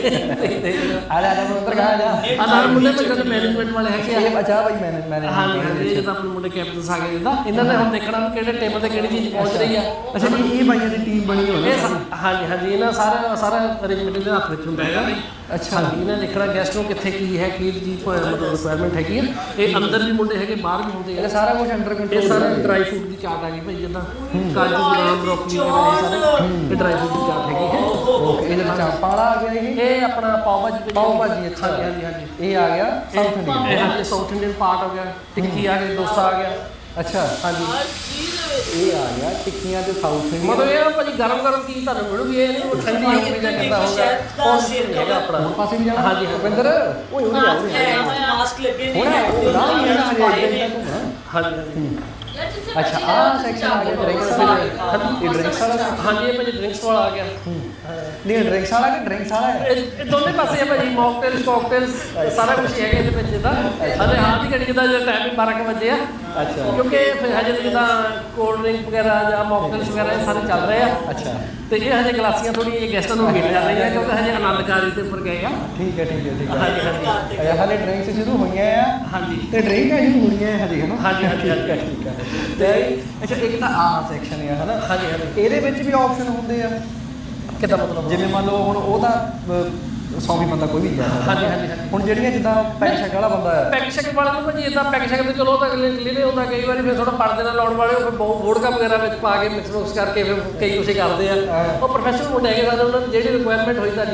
[SPEAKER 4] ਆ ਜਾ ਉੱਧਰ ਕਹਾ ਜਾ।
[SPEAKER 5] ਆ ਨਾਲ ਮੁੰਡੇ ਮੇਰੇ ਮੈਨੇਜਮੈਂਟ ਵਾਲੇ ਹੈਗੇ ਆ।
[SPEAKER 4] ਅੱਛਾ ਭਾਈ ਮੈਨੇ
[SPEAKER 5] ਹਾਂਜੀ, ਇਹ ਜਿੱਦਾਂ ਆਪਣੇ ਮੁੰਡੇ ਕੈਪਟਨਸ ਆ ਗਏ ਜਿੱਦਾਂ ਇਹਨਾਂ ਨੇ ਹੁਣ ਦੇਖਣਾ ਵੀ ਕਿਹੜੇ ਟੇਬਲ ਤੇ ਕਿਹੜੀ ਚੀਜ਼ ਪਹੁੰਚ ਰਹੀ ਆ।
[SPEAKER 4] ਅੱਛਾ, ਇਹ ਬਾਈਆਂ ਦੀ ਟੀਮ ਬਣੀ ਹੋਈ ਹੈ।
[SPEAKER 5] ਹਾਂਜੀ, ਇਹਨਾਂ ਸਾਰਾ ਅਰੇਂਜਮੈਂਟ ਦੇ ਹੱਥ ਵਿੱਚ ਹੁੰਦਾ ਹੈਗਾ।
[SPEAKER 4] ਅੱਛਾ,
[SPEAKER 5] ਹਾਂਜੀ, ਇਹਨਾਂ ਦੇਖਣਾ ਗੈਸਟ ਨੂੰ ਕਿੱਥੇ ਕੀ ਹੈ, ਕੀ ਚੀਜ਼ ਮਤਲਬ ਰਿਕੁਆਇਰਮੈਂਟ ਹੈਗੀ ਆ। ਇਹ ਅੰਦਰ ਵੀ ਮੁੰਡੇ ਹੈਗੇ, ਬਾਹਰ ਵੀ ਹੁੰਦੇ
[SPEAKER 4] ਇਹ
[SPEAKER 5] ਆ।
[SPEAKER 4] ਸਾਰਾ ਕੁਝ ਅੰਡਰ
[SPEAKER 5] ਇਹ
[SPEAKER 4] ਕੰਟਰੋਲ।
[SPEAKER 5] ਸਾਰਾ ਡਰਾਈ ਫਰੂਟ ਦੀ ਚਾਟ ਆ ਗਈ ਭਾਈ, ਜਿੱਦਾਂ ਕਾਜੂ ਬਦਾਮ ਬਰੋਕਲੀ ਵਗੈਰਾ ਇਹ ਸਾਰੇ ਇਹ ਡਰਾਈ ਫਰੂਟ ਦੀ ਚਾਟ ਹੈਗੀ ਹੈ।
[SPEAKER 4] ਓਕੇ, ਇਹਦੇ ਵਿੱਚ ਚਾਂਪਾਲਾ ਆ ਗਿਆ।
[SPEAKER 5] ਇਹ ਆਪਣਾ ਪਾਓ ਭਾਜੀ।
[SPEAKER 4] ਪਾਓ ਭਾਜੀ, ਅੱਛਾ।
[SPEAKER 5] ਹਾਂਜੀ।
[SPEAKER 4] ਇਹ ਆ ਗਿਆ ਸਾਊਥ ਇੰਡੀਅਨ।
[SPEAKER 5] ਇਹ ਹਾਂਜੀ ਸਾਊਥ ਇੰਡੀਅਨ ਪਾਰਟ ਹੋ ਗਿਆ। ਟਿੱਕੀ ਆ ਗਈ, ਡੋਸਾ ਆ ਗਿਆ।
[SPEAKER 4] ਅੱਛਾ,
[SPEAKER 5] ਹਾਂਜੀ,
[SPEAKER 4] ਇਹ ਆ ਗਿਆ ਟਿੱਕੀਆਂ ਤੇ ਸਾਊਥ ਇੰਡੀਅਨ।
[SPEAKER 5] ਮਤਲਬ ਇਹ ਭਾਜੀ ਗਰਮ ਚੀਜ਼ ਤੁਹਾਨੂੰ ਮਿਲੂਗੀ। ਇਹ ਨਹੀਂ ਉਹ ਠੰਡੀ ਹੋਊਗੀ ਜਾਂ ਕਿੱਦਾਂ ਹੋਊਗਾ ਉਹ ਸਿਰ ਹੈਗਾ ਆਪਣਾ।
[SPEAKER 4] ਹੋਰ ਪਾਸੇ ਵੀ ਜਾਣਾ।
[SPEAKER 5] ਹਾਂਜੀ,
[SPEAKER 4] ਭੁਪਿੰਦਰ ਓਏ ਉਹ
[SPEAKER 1] ਮਾਸਕ ਲੱਗੇ
[SPEAKER 4] ਹੁਣ
[SPEAKER 1] ਨੇ
[SPEAKER 4] ਨਾ ਹੀ ਜਾਣਾ ਹਜੇ।
[SPEAKER 5] ਹਾਂਜੀ।
[SPEAKER 4] ਅੱਛਾ, ਆਹ ਸੈਕਸ਼ਨ ਆ ਗਿਆ ਡਰਿੰਕਸ ਵਾਲਾ। ਇਹ ਡਰਿੰਕਸ ਵਾਲਾ।
[SPEAKER 5] ਹਾਂਜੀ, ਇਹ ਭਾਜੀ ਡਰਿੰਕਸ ਵਾਲਾ ਆ ਗਿਆ।
[SPEAKER 4] ਨਹੀਂ, ਡਰਿੰਕਸ ਵਾਲਾ ਕਿ ਡਰਿੰਕਸ ਵਾਲਾ ਹੈ?
[SPEAKER 5] ਇਹ ਦੋਨੇ ਪਾਸੇ ਆ ਭਾਜੀ, ਮੌਕਟੇਲਸ ਕਾਕਟੇਲਸ ਸਾਰਾ ਕੁਝ ਹੈਗਾ ਇਹਦੇ ਵਿੱਚ ਜਿੱਦਾਂ। ਹਲੇ ਹਾਲ ਦੀ ਘੜੀ ਜਿੱਦਾਂ ਟਾਈਮ ਵੀ 12 ਵਜੇ ਆ।
[SPEAKER 4] ਅੱਛਾ,
[SPEAKER 5] ਕਿਉਂਕਿ ਫਿਰ ਹਜੇ ਜਿੱਦਾਂ ਕੋਲਡ ਡਰਿੰਕ ਵਗੈਰਾ ਜਾਂ ਮੌਕਟੇਲਸ ਵਗੈਰਾ ਇਹ ਸਾਰੇ ਚੱਲ ਰਹੇ ਆ।
[SPEAKER 4] ਅੱਛਾ,
[SPEAKER 5] ਤੇ ਇਹ ਹਜੇ ਗਲਾਸੀਆਂ ਥੋੜ੍ਹੀਆਂ ਗੈਸਟਾਂ ਨੂੰ ਮਿਲ ਜਾ ਰਹੀਆਂ ਕਿਉਂਕਿ ਹਜੇ ਆਨੰਦ ਕਾਰਜ ਦੇ ਉੱਪਰ ਗਏ ਆ।
[SPEAKER 4] ਠੀਕ ਹੈ।
[SPEAKER 5] ਹਾਂਜੀ।
[SPEAKER 4] ਅੱਛਾ, ਹਾਲੇ ਡਰਿੰਕਸ ਸ਼ੁਰੂ ਹੋਈਆਂ ਆ।
[SPEAKER 5] ਹਾਂਜੀ
[SPEAKER 4] ਤੇ ਡਰਿੰਕ ਹੈ ਸ਼ੁਰੂ ਹੋਈਆਂ ਹਜੇ ਹਨਾ।
[SPEAKER 5] ਹਾਂਜੀ।
[SPEAKER 4] ਠੀਕ ਹੈ। ਤੇ ਅੱਛਾ, ਇੱਕ ਤਾਂ ਆਹ ਸੈਕਸ਼ਨ ਆ ਹਨਾ।
[SPEAKER 5] ਹਾਂਜੀ।
[SPEAKER 4] ਇਹਦੇ ਵਿੱਚ ਵੀ ਆਪਸ਼ਨ ਹੁੰਦੇ ਆ
[SPEAKER 5] ਕਿੱਦਾਂ ਮਤਲਬ?
[SPEAKER 4] ਜਿਵੇਂ ਮੰਨ ਲਓ ਹੁਣ ਉਹ ਤਾਂ 100 ਵੀ ਬੰਦਾ ਕੋਈ ਵੀ ਜਾ ਸਕਦਾ।
[SPEAKER 5] ਹਾਂਜੀ।
[SPEAKER 4] ਹੁਣ ਜਿਹੜੀਆਂ ਜਿੱਦਾਂ ਪੈਕ ਸ਼ੈਕ ਵਾਲਾ ਬੰਦਾ ਹੈ,
[SPEAKER 5] ਪੈਕ ਸ਼ੈਕ ਵਾਲੇ ਨੂੰ ਭਾਜੀ ਇਦਾਂ ਪੈਕ ਸ਼ੈਕ ਤੇ ਚਲੋ ਤਾਂ ਕਲੀਅਰ ਹੁੰਦਾ। ਕਈ ਵਾਰੀ ਫਿਰ ਥੋੜਾ ਪਰਦੇ ਨਾਲ ਲਾਉਣ ਵਾਲੇ ਫਿਰ ਬਹੁਤ ਵੋਡਕਾ ਵਗੈਰਾ ਵਿੱਚ ਪਾ ਕੇ ਮਿਕਸ ਕਰਕੇ ਫਿਰ ਕਈ ਕੁਛ ਕਰਦੇ ਆ। ਉਹ ਪ੍ਰੋਫੈਸ਼ਨਲ ਮੁੰਡੇ ਹੈਗੇ ਸਾਡੇ, ਉਹਨਾਂ ਨੂੰ ਜਿਹੜੀ ਰਿਕੁਆਇਰਮੈਂਟ ਹੋਈ ਤੁਹਾਡੀ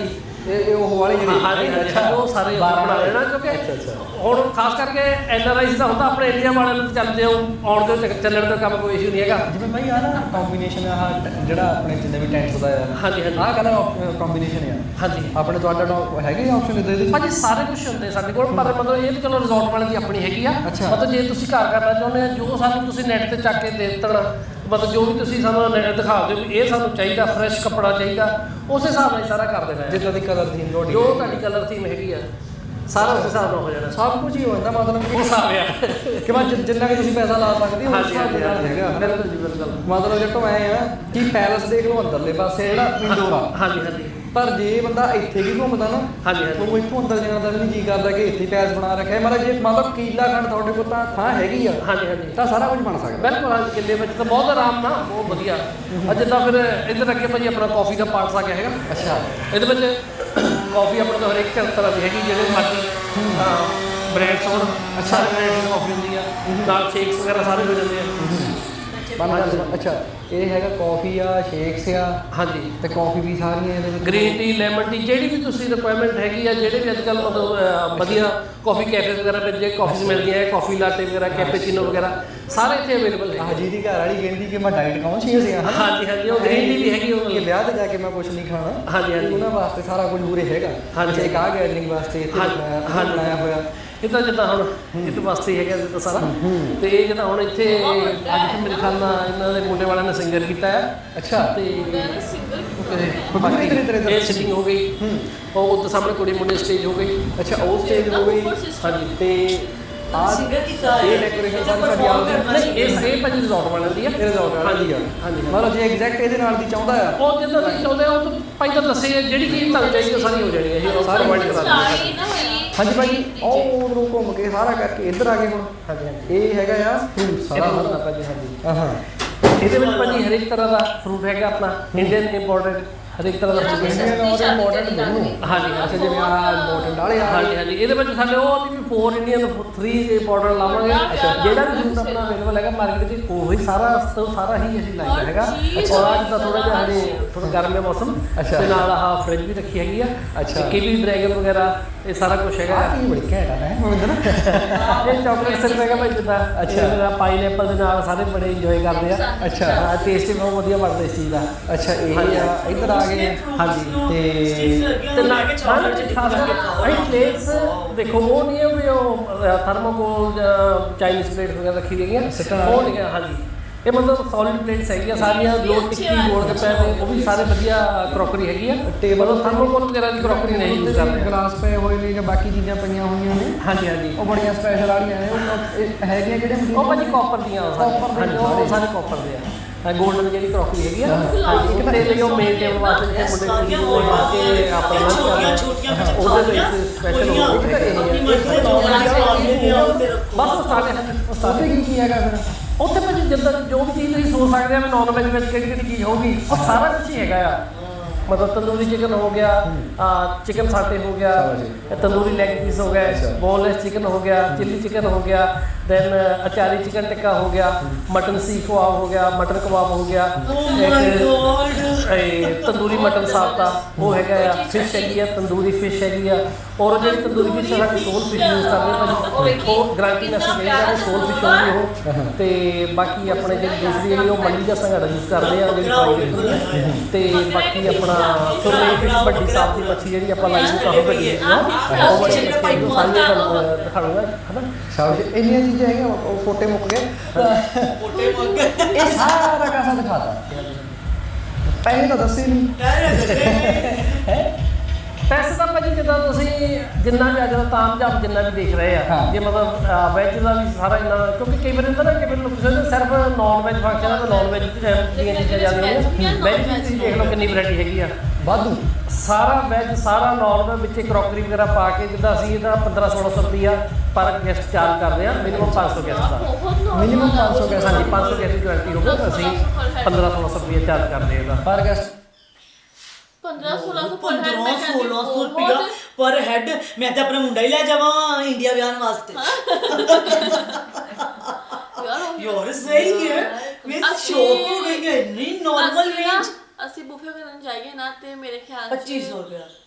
[SPEAKER 4] ਇਹ ਉਹ ਵਾਲੇ ਜਿਹੜੇ
[SPEAKER 5] ਹਾਂਜੀ ਹਾਂਜੀ ਉਹ ਸਾਰੇ ਬਣਾ ਲੈਣਾ ਕਿਉਂਕਿ ਹੁਣ ਖਾਸ ਕਰਕੇ NRI ਦਾ ਹੁੰਦਾ ਆਪਣੇ ਇੰਡੀਆ ਵਾਲਿਆਂ ਨੂੰ ਚੱਲਦੇ ਆਉਣ ਦੇ ਚੱਲਣ ਦਾ ਕੰਮ ਕੋਈ ਇਸ਼ੂ ਨਹੀਂ ਹੈਗਾ।
[SPEAKER 4] ਜਿਵੇਂ ਭਾਈ ਆ ਨਾ ਕੰਬੀਨੇਸ਼ਨ ਆ ਜਿਹੜਾ ਆਪਣੇ ਜਿੰਨੇ ਵੀ ਟੈਂਟਸ ਦਾ ਆ
[SPEAKER 5] ਹਾਂਜੀ ਹਾਂਜੀ
[SPEAKER 4] ਆਹ ਕਲਰ ਕੰਬੀਨੇਸ਼ਨ ਆ
[SPEAKER 5] ਹਾਂਜੀ
[SPEAKER 4] ਆਪਣੇ ਤੁਹਾਡਾ ਹੈਗੇ ਆਪਸ਼ਨ ਇਦਾਂ ਦੇ
[SPEAKER 5] ਭਾਜੀ ਸਾਰੇ ਕੁਝ ਹੁੰਦੇ ਸਾਡੇ ਕੋਲ ਪਰ ਮਤਲਬ ਇਹ ਤਾਂ ਚਲੋ ਰਿਜ਼ੋਰਟ ਵਾਲੇ ਦੀ ਆਪਣੀ ਹੈਗੀ ਆ।
[SPEAKER 4] ਅੱਛਾ।
[SPEAKER 5] ਮਤਲਬ ਜੇ ਤੁਸੀਂ ਘਰ ਕਰਨਾ ਚਾਹੁੰਦੇ ਆ ਜੋ ਸਾਨੂੰ ਤੁਸੀਂ ਨੈਟ ਤੇ ਚੱਕ ਕੇ ਦੇ ਦੇਣਾ ਮਤਲਬ ਜੋ ਵੀ ਤੁਸੀਂ ਸਾਨੂੰ ਦਿਖਾ ਦਿਓ ਵੀ ਇਹ ਸਾਨੂੰ ਚਾਹੀਦਾ ਫਰੈਸ਼ ਕੱਪੜਾ ਚਾਹੀਦਾ ਉਸੇ ਹਿਸਾਬ ਨਾਲ ਸਾਰਾ ਕਰ ਦੇਣਾ
[SPEAKER 4] ਜਿੱਦਾਂ ਦੀ ਕਲਰ ਥੀਮ ਤੁਹਾਡੀ
[SPEAKER 5] ਜੋ ਤੁਹਾਡੀ ਕਲਰ ਥੀਮ ਹੈਗੀ ਆ ਸਾਰਾ ਉਸ ਹਿਸਾਬ ਨਾਲ ਹੋ ਜਾਣਾ
[SPEAKER 4] ਸਭ ਕੁਝ ਹੀ ਹੋ ਜਾਂਦਾ ਮਤਲਬ
[SPEAKER 5] ਉਹ ਹਿਸਾਬ ਆ
[SPEAKER 4] ਕਿ ਮੈਂ ਜਿੰਨਾ ਕਿ ਤੁਸੀਂ ਪੈਸਾ ਲਾ ਸਕਦੇ ਹੋ ਉਸ ਹਿਸਾਬ ਦੇ ਨਾਲ ਹੈਗਾ
[SPEAKER 5] ਬਿਲਕੁਲ ਜੀ ਬਿਲਕੁਲ
[SPEAKER 4] ਮਤਲਬ ਜੇ ਤੋਂ ਐ ਆ ਕਿ ਪੈਲਸ ਦੇਖ ਲਓ ਅੰਦਰਲੇ ਪਾਸੇ ਜਿਹੜਾ ਇੰਡੋਰ ਆ
[SPEAKER 5] ਹਾਂਜੀ ਹਾਂਜੀ
[SPEAKER 4] ਪਰ ਜੇ ਬੰਦਾ ਇੱਥੇ ਵੀ ਘੁੰਮਦਾ ਨਾ
[SPEAKER 5] ਹਾਂਜੀ ਹਾਂਜੀ
[SPEAKER 4] ਉਹ ਇੱਥੋਂ ਅੰਦਰ ਜਾਣ ਦਾ ਵੀ ਨਹੀਂ ਜੀ ਕਰਦਾ ਕਿ ਇੱਥੇ ਪੈਲਸ ਬਣਾ ਰੱਖਿਆ ਮਤਲਬ ਜੇ ਮਤਲਬ ਕੀਲਾ ਖੰਡ ਤੁਹਾਡੇ ਕੋਲ ਤਾਂ ਥਾਂ ਹੈਗੀ ਆ
[SPEAKER 5] ਹਾਂਜੀ ਹਾਂਜੀ
[SPEAKER 4] ਤਾਂ ਸਾਰਾ ਕੁਝ ਬਣ ਸਕਦਾ
[SPEAKER 5] ਬਿਲਕੁਲ ਹਾਂਜੀ ਕਿੱਲੇ ਵਿੱਚ ਤਾਂ ਬਹੁਤ ਆਰਾਮ ਨਾਲ ਬਹੁਤ ਵਧੀਆ ਜਿੱਦਾਂ ਫਿਰ ਇੱਧਰ ਅੱਗੇ ਭਾਜੀ ਆਪਣਾ ਕਾਫੀ ਦਾ ਪਾਰਟਸ ਆ ਗਿਆ ਹੈਗਾ।
[SPEAKER 4] ਅੱਛਾ
[SPEAKER 5] ਇਹਦੇ ਵਿੱਚ ਕਾਫੀ ਆਪਣੇ ਤੋਂ ਹਰੇਕ ਤਰ੍ਹਾਂ ਦੀ ਹੈਗੀ ਜਿਹੜੇ ਮਰਜ਼ੀ ਬ੍ਰੈਂਡਸ ਹੋਣ ਅੱਛਾ ਬ੍ਰੈਂਡ ਦੀ ਕਾਫੀ ਹੁੰਦੀ ਆ ਨਾਲ ਸ਼ੇਕਸ ਵਗੈਰਾ ਸਾਰੇ ਹੋ ਜਾਂਦੇ ਆ
[SPEAKER 4] ਅੱਛਾ ਇਹ ਹੈਗਾ ਕਾਫੀ ਆ ਸ਼ੇਕਸ ਆ
[SPEAKER 5] ਹਾਂਜੀ
[SPEAKER 4] ਤੇ ਕਾਫੀ ਵੀ ਸਾਰੀਆਂ ਇਹਦੇ ਵਿੱਚ
[SPEAKER 5] ਗ੍ਰੀਨ ਟੀ ਲੈਮਨ ਟੀ ਜਿਹੜੀ ਵੀ ਤੁਸੀਂ ਰਿਕੁਆਇਰਮੈਂਟ ਹੈਗੀ ਆ ਜਿਹੜੇ ਵੀ ਅੱਜ ਕੱਲ੍ਹ ਮਤਲਬ ਵਧੀਆ ਕਾਫੀ ਕੈਫੇ ਵਗੈਰਾ ਵਿੱਚ ਜੇ ਕਾਫੀਜ਼ ਮਿਲਦੀਆਂ ਹੈ ਕਾਫੀ ਲਾਟੇ ਵਗੈਰਾ ਕੈਪੇਚੀਨੋ ਵਗੈਰਾ ਸਾਰੇ ਇੱਥੇ ਅਵੇਲੇਬਲ ਹੈ।
[SPEAKER 4] ਆਹ ਜਿਹਦੀ ਘਰ ਵਾਲੀ ਕਹਿੰਦੀ ਕਿ ਮੈਂ ਡਾਈਟ ਕੌਨਸ਼ੀਅਸ ਆ
[SPEAKER 5] ਹਾਂਜੀ ਹਾਂਜੀ ਉਹ ਗ੍ਰੀਨ ਟੀ ਵੀ ਹੈਗੀ ਉਹ
[SPEAKER 4] ਕਿ ਵਿਆਹ ਤੇ ਜਾ ਕੇ ਮੈਂ ਕੁਝ ਨਹੀਂ ਖਾਣਾ
[SPEAKER 5] ਹਾਂਜੀ ਹਾਂਜੀ
[SPEAKER 4] ਉਹਨਾਂ ਵਾਸਤੇ ਸਾਰਾ ਕੁਝ ਪੂਰੇ ਹੈਗਾ
[SPEAKER 5] ਹਾਂਜੀ।
[SPEAKER 4] ਇੱਕ ਆ ਗੈਦਰਿੰਗ ਵਾਸਤੇ ਇੱਥੇ ਬਣਾਇਆ ਹੋਇਆ
[SPEAKER 5] ਇਹ ਤਾਂ ਜਿੱਦਾਂ ਹੁਣ ਇਹਦੇ ਵਾਸਤੇ ਹੈਗਾ ਜਿੱਦਾਂ ਸਾਰਾ ਤੇ ਇਹ ਜਿੱਦਾਂ ਹੁਣ ਇੱਥੇ ਅੱਜ ਮੇਰੇ ਖਿਆਲ ਨਾਲ ਇਹਨਾਂ ਦੇ ਮੁੰਡੇ ਵਾਲਿਆਂ ਨੇ ਸਿੰਗਰ ਕੀਤਾ ਹੈ
[SPEAKER 4] ਅੱਛਾ
[SPEAKER 5] ਤੇ
[SPEAKER 4] ਬਾਕੀ
[SPEAKER 5] ਇਹ ਸਿਟਿੰਗ ਹੋ ਗਈ ਉਹ ਉੱਤੇ ਸਾਹਮਣੇ ਕੁੜੀ ਮੁੰਡੇ ਸਟੇਜ ਹੋ ਗਈ
[SPEAKER 4] ਅੱਛਾ ਉਹ ਸਟੇਜ ਹੋ ਗਈ
[SPEAKER 5] ਹਾਂਜੀ
[SPEAKER 4] ਤੇ ਆ
[SPEAKER 1] ਸਿੰਗਰ ਕੀਤਾ
[SPEAKER 4] ਇਹ ਡੈਕੋਰੇਸ਼ਨ ਸਾਰੀ ਸਾਡੀ ਆਪ
[SPEAKER 5] ਨਹੀਂ ਇਹ ਭਾਜੀ ਰਿਜ਼ੋਰਟ ਵਾਲਿਆਂ ਦੀ ਆ
[SPEAKER 4] ਇਹ ਰਿਜ਼ੋਰਟ ਵਾਲੀ ਆ
[SPEAKER 5] ਹਾਂਜੀ
[SPEAKER 4] ਮਤਲਬ ਜੇ ਐਗਜ਼ੈਕਟ ਇਹਦੇ ਨਾਲ ਦੀ ਚਾਹੁੰਦਾ ਆ
[SPEAKER 5] ਉਹ ਜਿੱਦਾਂ ਤੁਸੀਂ ਚਾਹੁੰਦੇ ਹੋ ਉਹ ਭਾਈ ਤਾਂ ਦੱਸੇ ਜਿਹੜੀ ਚੀਜ਼ ਤੁਹਾਨੂੰ ਚਾਹੀਦੀ ਉਹ ਸਾਰੀ ਹੋ ਜਾਣੀ ਹੈ ਇਹ ਸਾਰੀ ਪ੍ਰੋਵਾਈਡ ਕਰਾ ਦਿੰਦੇ
[SPEAKER 4] ਹਾਂਜੀ ਭਾਈ ਉਹ ਉਧਰੋਂ ਘੁੰਮ ਕੇ ਸਾਰਾ ਕਰਕੇ ਇੱਧਰ ਆ ਗਏ ਹੁਣ
[SPEAKER 5] ਹਾਂਜੀ
[SPEAKER 4] ਇਹ ਹੈਗਾ ਆ ਫਰੂਟ ਸਾਰਾ
[SPEAKER 5] ਸਾਰਾ ਭਾਜੀ ਹਾਂਜੀ
[SPEAKER 4] ਹਾਂ
[SPEAKER 5] ਇਹਦੇ ਵਿੱਚ ਭਾਜੀ ਹਰੇਕ ਤਰ੍ਹਾਂ ਦਾ ਫਰੂਟ ਹੈਗਾ ਆਪਣਾ ਇੰਡੀਅਨ ਇੰਪੋਰਟਡ ਹਰੇਕ ਤਰ੍ਹਾਂ ਦਾ
[SPEAKER 4] ਇੰਡੀਅਨ ਔਰ ਮਾਡਰਨ
[SPEAKER 5] ਹਾਂਜੀ
[SPEAKER 4] ਅੱਛਾ ਜਿਵੇਂ ਆ ਮਾਡਰਨ ਵਾਲੇ ਆ
[SPEAKER 5] ਹਾਂਜੀ ਹਾਂਜੀ ਇਹਦੇ ਵਿੱਚ ਸਾਡੇ ਉਹ ਵੀ 4 ਇੰਡੀਅਨ 3 ਮਾਡਲ ਲਾਵਾਂਗੇ ਜਿਹੜਾ ਵੀ ਫਰੂਟ ਆਪਣਾ ਅਵੇਲੇਬਲ ਹੈਗਾ ਮਾਰਕੀਟ 'ਚ ਉਹੀ ਸਾਰਾ ਹੀ ਅਸੀਂ ਲਾਇਆ ਹੈਗਾ ਔਰ ਅੱਜ ਤਾਂ ਥੋੜਾ ਜਿਹਾ ਹਜੇ ਥੋੜਾ ਗਰਮ ਹੈ ਮੌਸਮ ਤੇ ਨਾਲ ਆਹ ਫ੍ਰਿਜ ਵੀ ਰੱਖੀ ਹੈਗੀ ਆ
[SPEAKER 4] ਅੱਛਾ
[SPEAKER 5] ਕੀਵੀ ਡਰੈਗਨ ਵਗੈਰਾ ਇਹ ਸਾਰਾ ਕੁਝ ਹੈਗਾ
[SPEAKER 4] ਆ ਕੀ ਬੜੀ ਘੈਂਟ ਆ ਹੈ ਮਨਿੰਦਰ
[SPEAKER 5] ਇਹ ਚਾਕਲੇਟ ਸਿਰਫ ਹੈਗਾ ਭਾਈ ਜਿੱਦਾਂ ਅੱਛਾ ਪਾਈਨਐਪਲ ਦੇ ਨਾਲ ਸਾਰੇ ਬੜੇ ਇੰਜੋਏ ਕਰਦੇ ਆ
[SPEAKER 4] ਅੱਛਾ
[SPEAKER 5] ਟੇਸਟ ਵੀ ਬਹੁਤ ਵਧੀਆ ਬਣਦਾ ਇਸ ਚੀਜ਼ ਦਾ
[SPEAKER 4] ਅੱਛਾ ਇਹ ਆ ਇੱਧਰ ਆ ਗਏ
[SPEAKER 5] ਹਾਂਜੀ ਤੇ ਨਾ ਕੇ ਚਾਕਲੇਟ ਚ ਖਾਸ ਕਰਕੇ ਇਹ ਪਲੇਟਸ ਦੇਖੋ ਉਹ ਨਹੀਂ ਹੈ ਵੀ ਉਹ ਥਰਮੋਕੋਲ ਜਾਂ ਚਾਈਨੀਜ਼ ਪਲੇਟ ਵਗੈਰਾ ਰੱਖੀ ਗਈਆਂ ਉਹ ਨਹੀਂ ਹੈ ਹਾਂਜੀ ਇਹ ਮਤਲਬ ਸੋਲਿਡ ਪਲੇਟਸ ਹੈਗੀਆਂ ਸਾਰੀਆਂ ਲੋਟ ਟਿੱਕੀ ਗੋਲ ਗੱਪੇ ਨੇ ਉਹ ਵੀ ਸਾਰੇ ਵਧੀਆ ਕਰੋਕਰੀ ਹੈਗੀ ਆ
[SPEAKER 4] ਟੇਬਲ
[SPEAKER 5] ਥਰਮੋਕੋਲ ਵਗੈਰਾ ਦੀ ਕਰੋਕਰੀ ਨਹੀਂ ਯੂਜ਼ ਕਰਦੇ
[SPEAKER 4] ਗਲਾਸ ਪਏ ਹੋਏ ਨੇ ਜਾਂ ਬਾਕੀ ਚੀਜ਼ਾਂ ਪਈਆਂ ਹੋਈਆਂ ਨੇ
[SPEAKER 5] ਹਾਂਜੀ ਹਾਂਜੀ
[SPEAKER 4] ਉਹ ਬੜੀਆਂ ਸਪੈਸ਼ਲ ਵਾਲੀਆਂ ਨੇ ਉਹ ਹੈਗੀਆਂ ਕਿਹੜੇ
[SPEAKER 5] ਉਹ ਭਾਜੀ ਕਾਪਰ ਦੀਆਂ
[SPEAKER 4] Copper ਦੇ
[SPEAKER 5] ਹਾਂਜੀ ਉਹ ਸਾਰੇ ਕਾਪਰ ਦੇ ਆ ਗੋਲਡਨ ਜਿਹੜੀ ਕਰੋਕਰੀ ਹੈਗੀ ਆ ਹਾਂਜੀ ਇੱਕ ਤੇ ਲਈ ਉਹ ਮੇਨ ਟੇਬਲ ਵਾਸਤੇ ਜਿਹੜੇ ਮੁੰਡੇ ਨੂੰ ਲਾ ਕੇ ਆਪਣਾ ਲੰਚ ਕਰਨਾ ਉਹਦੇ ਵਿੱਚ ਸਪੈਸ਼ਲ ਹੋ ਬਸ ਉਹ ਸਟਾਰਟ
[SPEAKER 4] ਕੀ ਹੈਗਾ ਫਿਰ
[SPEAKER 5] ਉੱਥੇ ਭਾਜੀ ਜਿੱਦਾਂ ਜੋ ਵੀ ਚੀਜ਼ ਤੁਸੀਂ ਸੋਚ ਸਕਦੇ ਆ ਵੀ ਨਾਨ ਵੈਜ ਵਿੱਚ ਕਿਹੜੀ ਕਿਹੜੀ ਚੀਜ਼ ਹੋਊਗੀ ਉਹ ਸਾਰਾ ਕੁਝ ਹੀ ਹੈਗਾ ਆ ਮਤਲਬ ਤੰਦੂਰੀ ਚਿਕਨ ਹੋ ਗਿਆ ਚਿਕਨ ਸਾਟੇ ਹੋ ਗਿਆ ਤੰਦੂਰੀ ਲੈਗ ਪੀਸ ਹੋ ਗਏ ਬੋਨਲੈਸ ਚਿਕਨ ਹੋ ਗਿਆ ਚਿੱਲੀ ਚਿਕਨ ਹੋ ਗਿਆ ਦੈਨ ਅਚਾਰੀ ਚਿਕਨ ਟਿੱਕਾ ਹੋ ਗਿਆ ਮਟਨ ਸੀਖ ਕਬਾਬ ਹੋ ਗਿਆ ਮਟਨ ਕਬਾਬ ਹੋ ਗਿਆ ਤੰਦੂਰੀ ਮਟਨ ਸਾਬਤਾ ਉਹ ਹੈਗਾ ਆ ਫਿਸ਼ ਹੈਗੀ ਆ ਤੰਦੂਰੀ ਫਿਸ਼ ਹੈਗੀ ਆ ਔਰ ਜਿਹੜੀ ਤੰਦੂਰੀ ਫਿਸ਼ ਸਾਡੀ ਸੋਲ ਫਿਸ਼ ਯੂਜ਼ ਕਰਦੇ ਭਾਜੀ ਉਹ ਗਾਰੰਟੀ ਨਾਲ ਅਸੀਂ ਕਹਿੰਦੇ ਸੋਲ ਫਿਸ਼ ਹੋਊਗੀ ਉਹ ਤੇ ਬਾਕੀ ਆਪਣੇ ਜਿਹੜੀ ਦੂਸਰੀ ਜਿਹੜੀ ਉਹ ਮੰਡੀ ਦਾ ਸੰਘਾੜਾ ਯੂਜ਼ ਕਰਦੇ ਆ ਜਿਹੜੀ ਫਰਾਈ ਹੁੰਦੀ ਆ ਤੇ ਬਾਕੀ ਆਪਣਾ ਸੁਰਮਈ ਫਿਸ਼ ਵੱਡੀ ਸਾਫ ਦੀ ਮੱਛੀ ਜਿਹੜੀ ਆਪਾਂ ਲਾਈ ਨੂੰ ਕਾਫੀ ਵੱਡੀ ਹੈਗੀ ਆ ਉਹ ਵਾਲੀ ਮੱਛੀ ਨੂੰ ਸਾਂਝੇ ਤੁਹਾਨੂੰ ਦਿਖਾਉਂਗਾ ਹਨਾ
[SPEAKER 4] ਸ਼ਾਬਾਸ਼ ਇੰਨੀਆਂ ਚੀਜ਼ਾਂ ਹੈਗੀਆਂ ਉਹ ਫੋਟੇ ਮੁੱਕ ਗਏ ਇਹ ਸਾਰਾ ਕਾਸਾ ਦਿਖਾਤਾ ਪਹਿਲੇ ਤਾਂ ਦੱਸੇ ਨਹੀਂ
[SPEAKER 5] ਪੈਸੇ ਤਾਂ ਭਾਜੀ ਜਿੱਦਾਂ ਤੁਸੀਂ ਜਿੰਨਾ ਵੀ ਅੱਜ ਦਾ ਤਾਮਝਾਮ ਜਿੰਨਾ ਵੀ ਦੇਖ ਰਹੇ ਆ ਜੇ ਮਤਲਬ ਵੈਜ ਦਾ ਵੀ ਸਾਰਾ ਇੰਨਾ ਕਿਉਂਕਿ ਕਈ ਵਾਰ ਹੁੰਦਾ ਨਾ ਕਿ ਲੋਕ ਸੋਚਦੇ ਸਿਰਫ ਨਾਨ ਵੈਜ ਫੰਕਸ਼ਨ ਆ ਤਾਂ ਨਾਨ ਵੈਜ ਦੀਆਂ ਚੀਜ਼ਾਂ ਜਾਂਦੀਆਂ ਵੈਜ ਵੀ ਤੁਸੀਂ ਦੇਖ ਲਓ ਕਿੰਨੀ ਵੈਰਾਈਟੀ ਹੈਗੀ ਆ
[SPEAKER 4] ਵਾਧੂ
[SPEAKER 5] ਸਾਰਾ ਵੈਜ ਸਾਰਾ ਨਾਨ ਵਿੱਚ ਕਰੋਕਰੀ ਵਗੈਰਾ ਪਾ ਕੇ ਜਿੱਦਾਂ ਅਸੀਂ ਇਹਦਾ 1500 ਰੁਪਈਆ ਪਰ ਗੈਸਟ ਚਾਰਜ ਕਰਦੇ ਆ ਮਿਨੀਮਮ 500 ਗੈਸਟ ਦਾ
[SPEAKER 4] ਮਿਨੀਮਮ 500 ਗੈਸਟ
[SPEAKER 5] ਹਾਂਜੀ 500 ਗੈਸਟ ਦੀ ਗਾਰੰਟੀ ਹੋਵੇ ਅਸੀਂ 1500 ਰੁਪਈਆ ਚਾਰਜ ਕਰਦੇ ਇਹਦਾ
[SPEAKER 4] ਪਰ ਗੈਸਟ
[SPEAKER 1] 1500 ਰੁਪਇਆ ਪਰ ਹੈਡ ਮੈਂ ਤਾਂ ਆਪਣਾ ਮੁੰਡਾ ਹੀ ਲੈ ਜਾਵਾਂ ਇੰਡੀਆ ਵਿਆਹਨ ਵਾਸਤੇ ਯਾਰ ਸਹੀ ਹੈ ਮੈਂ ਸ਼ੌਕ ਹੋ ਗਈ ਹੈ ਇੰਨੀ ਨਾਰਮਲ ਰੇਂਜ
[SPEAKER 3] ਅਸੀਂ ਬੁਫੇ ਕਰਨ ਜਾਈਏ ਨਾ ਤੇ ਮੇਰੇ ਖਿਆਲ
[SPEAKER 1] 2500 ਰੁਪਇਆ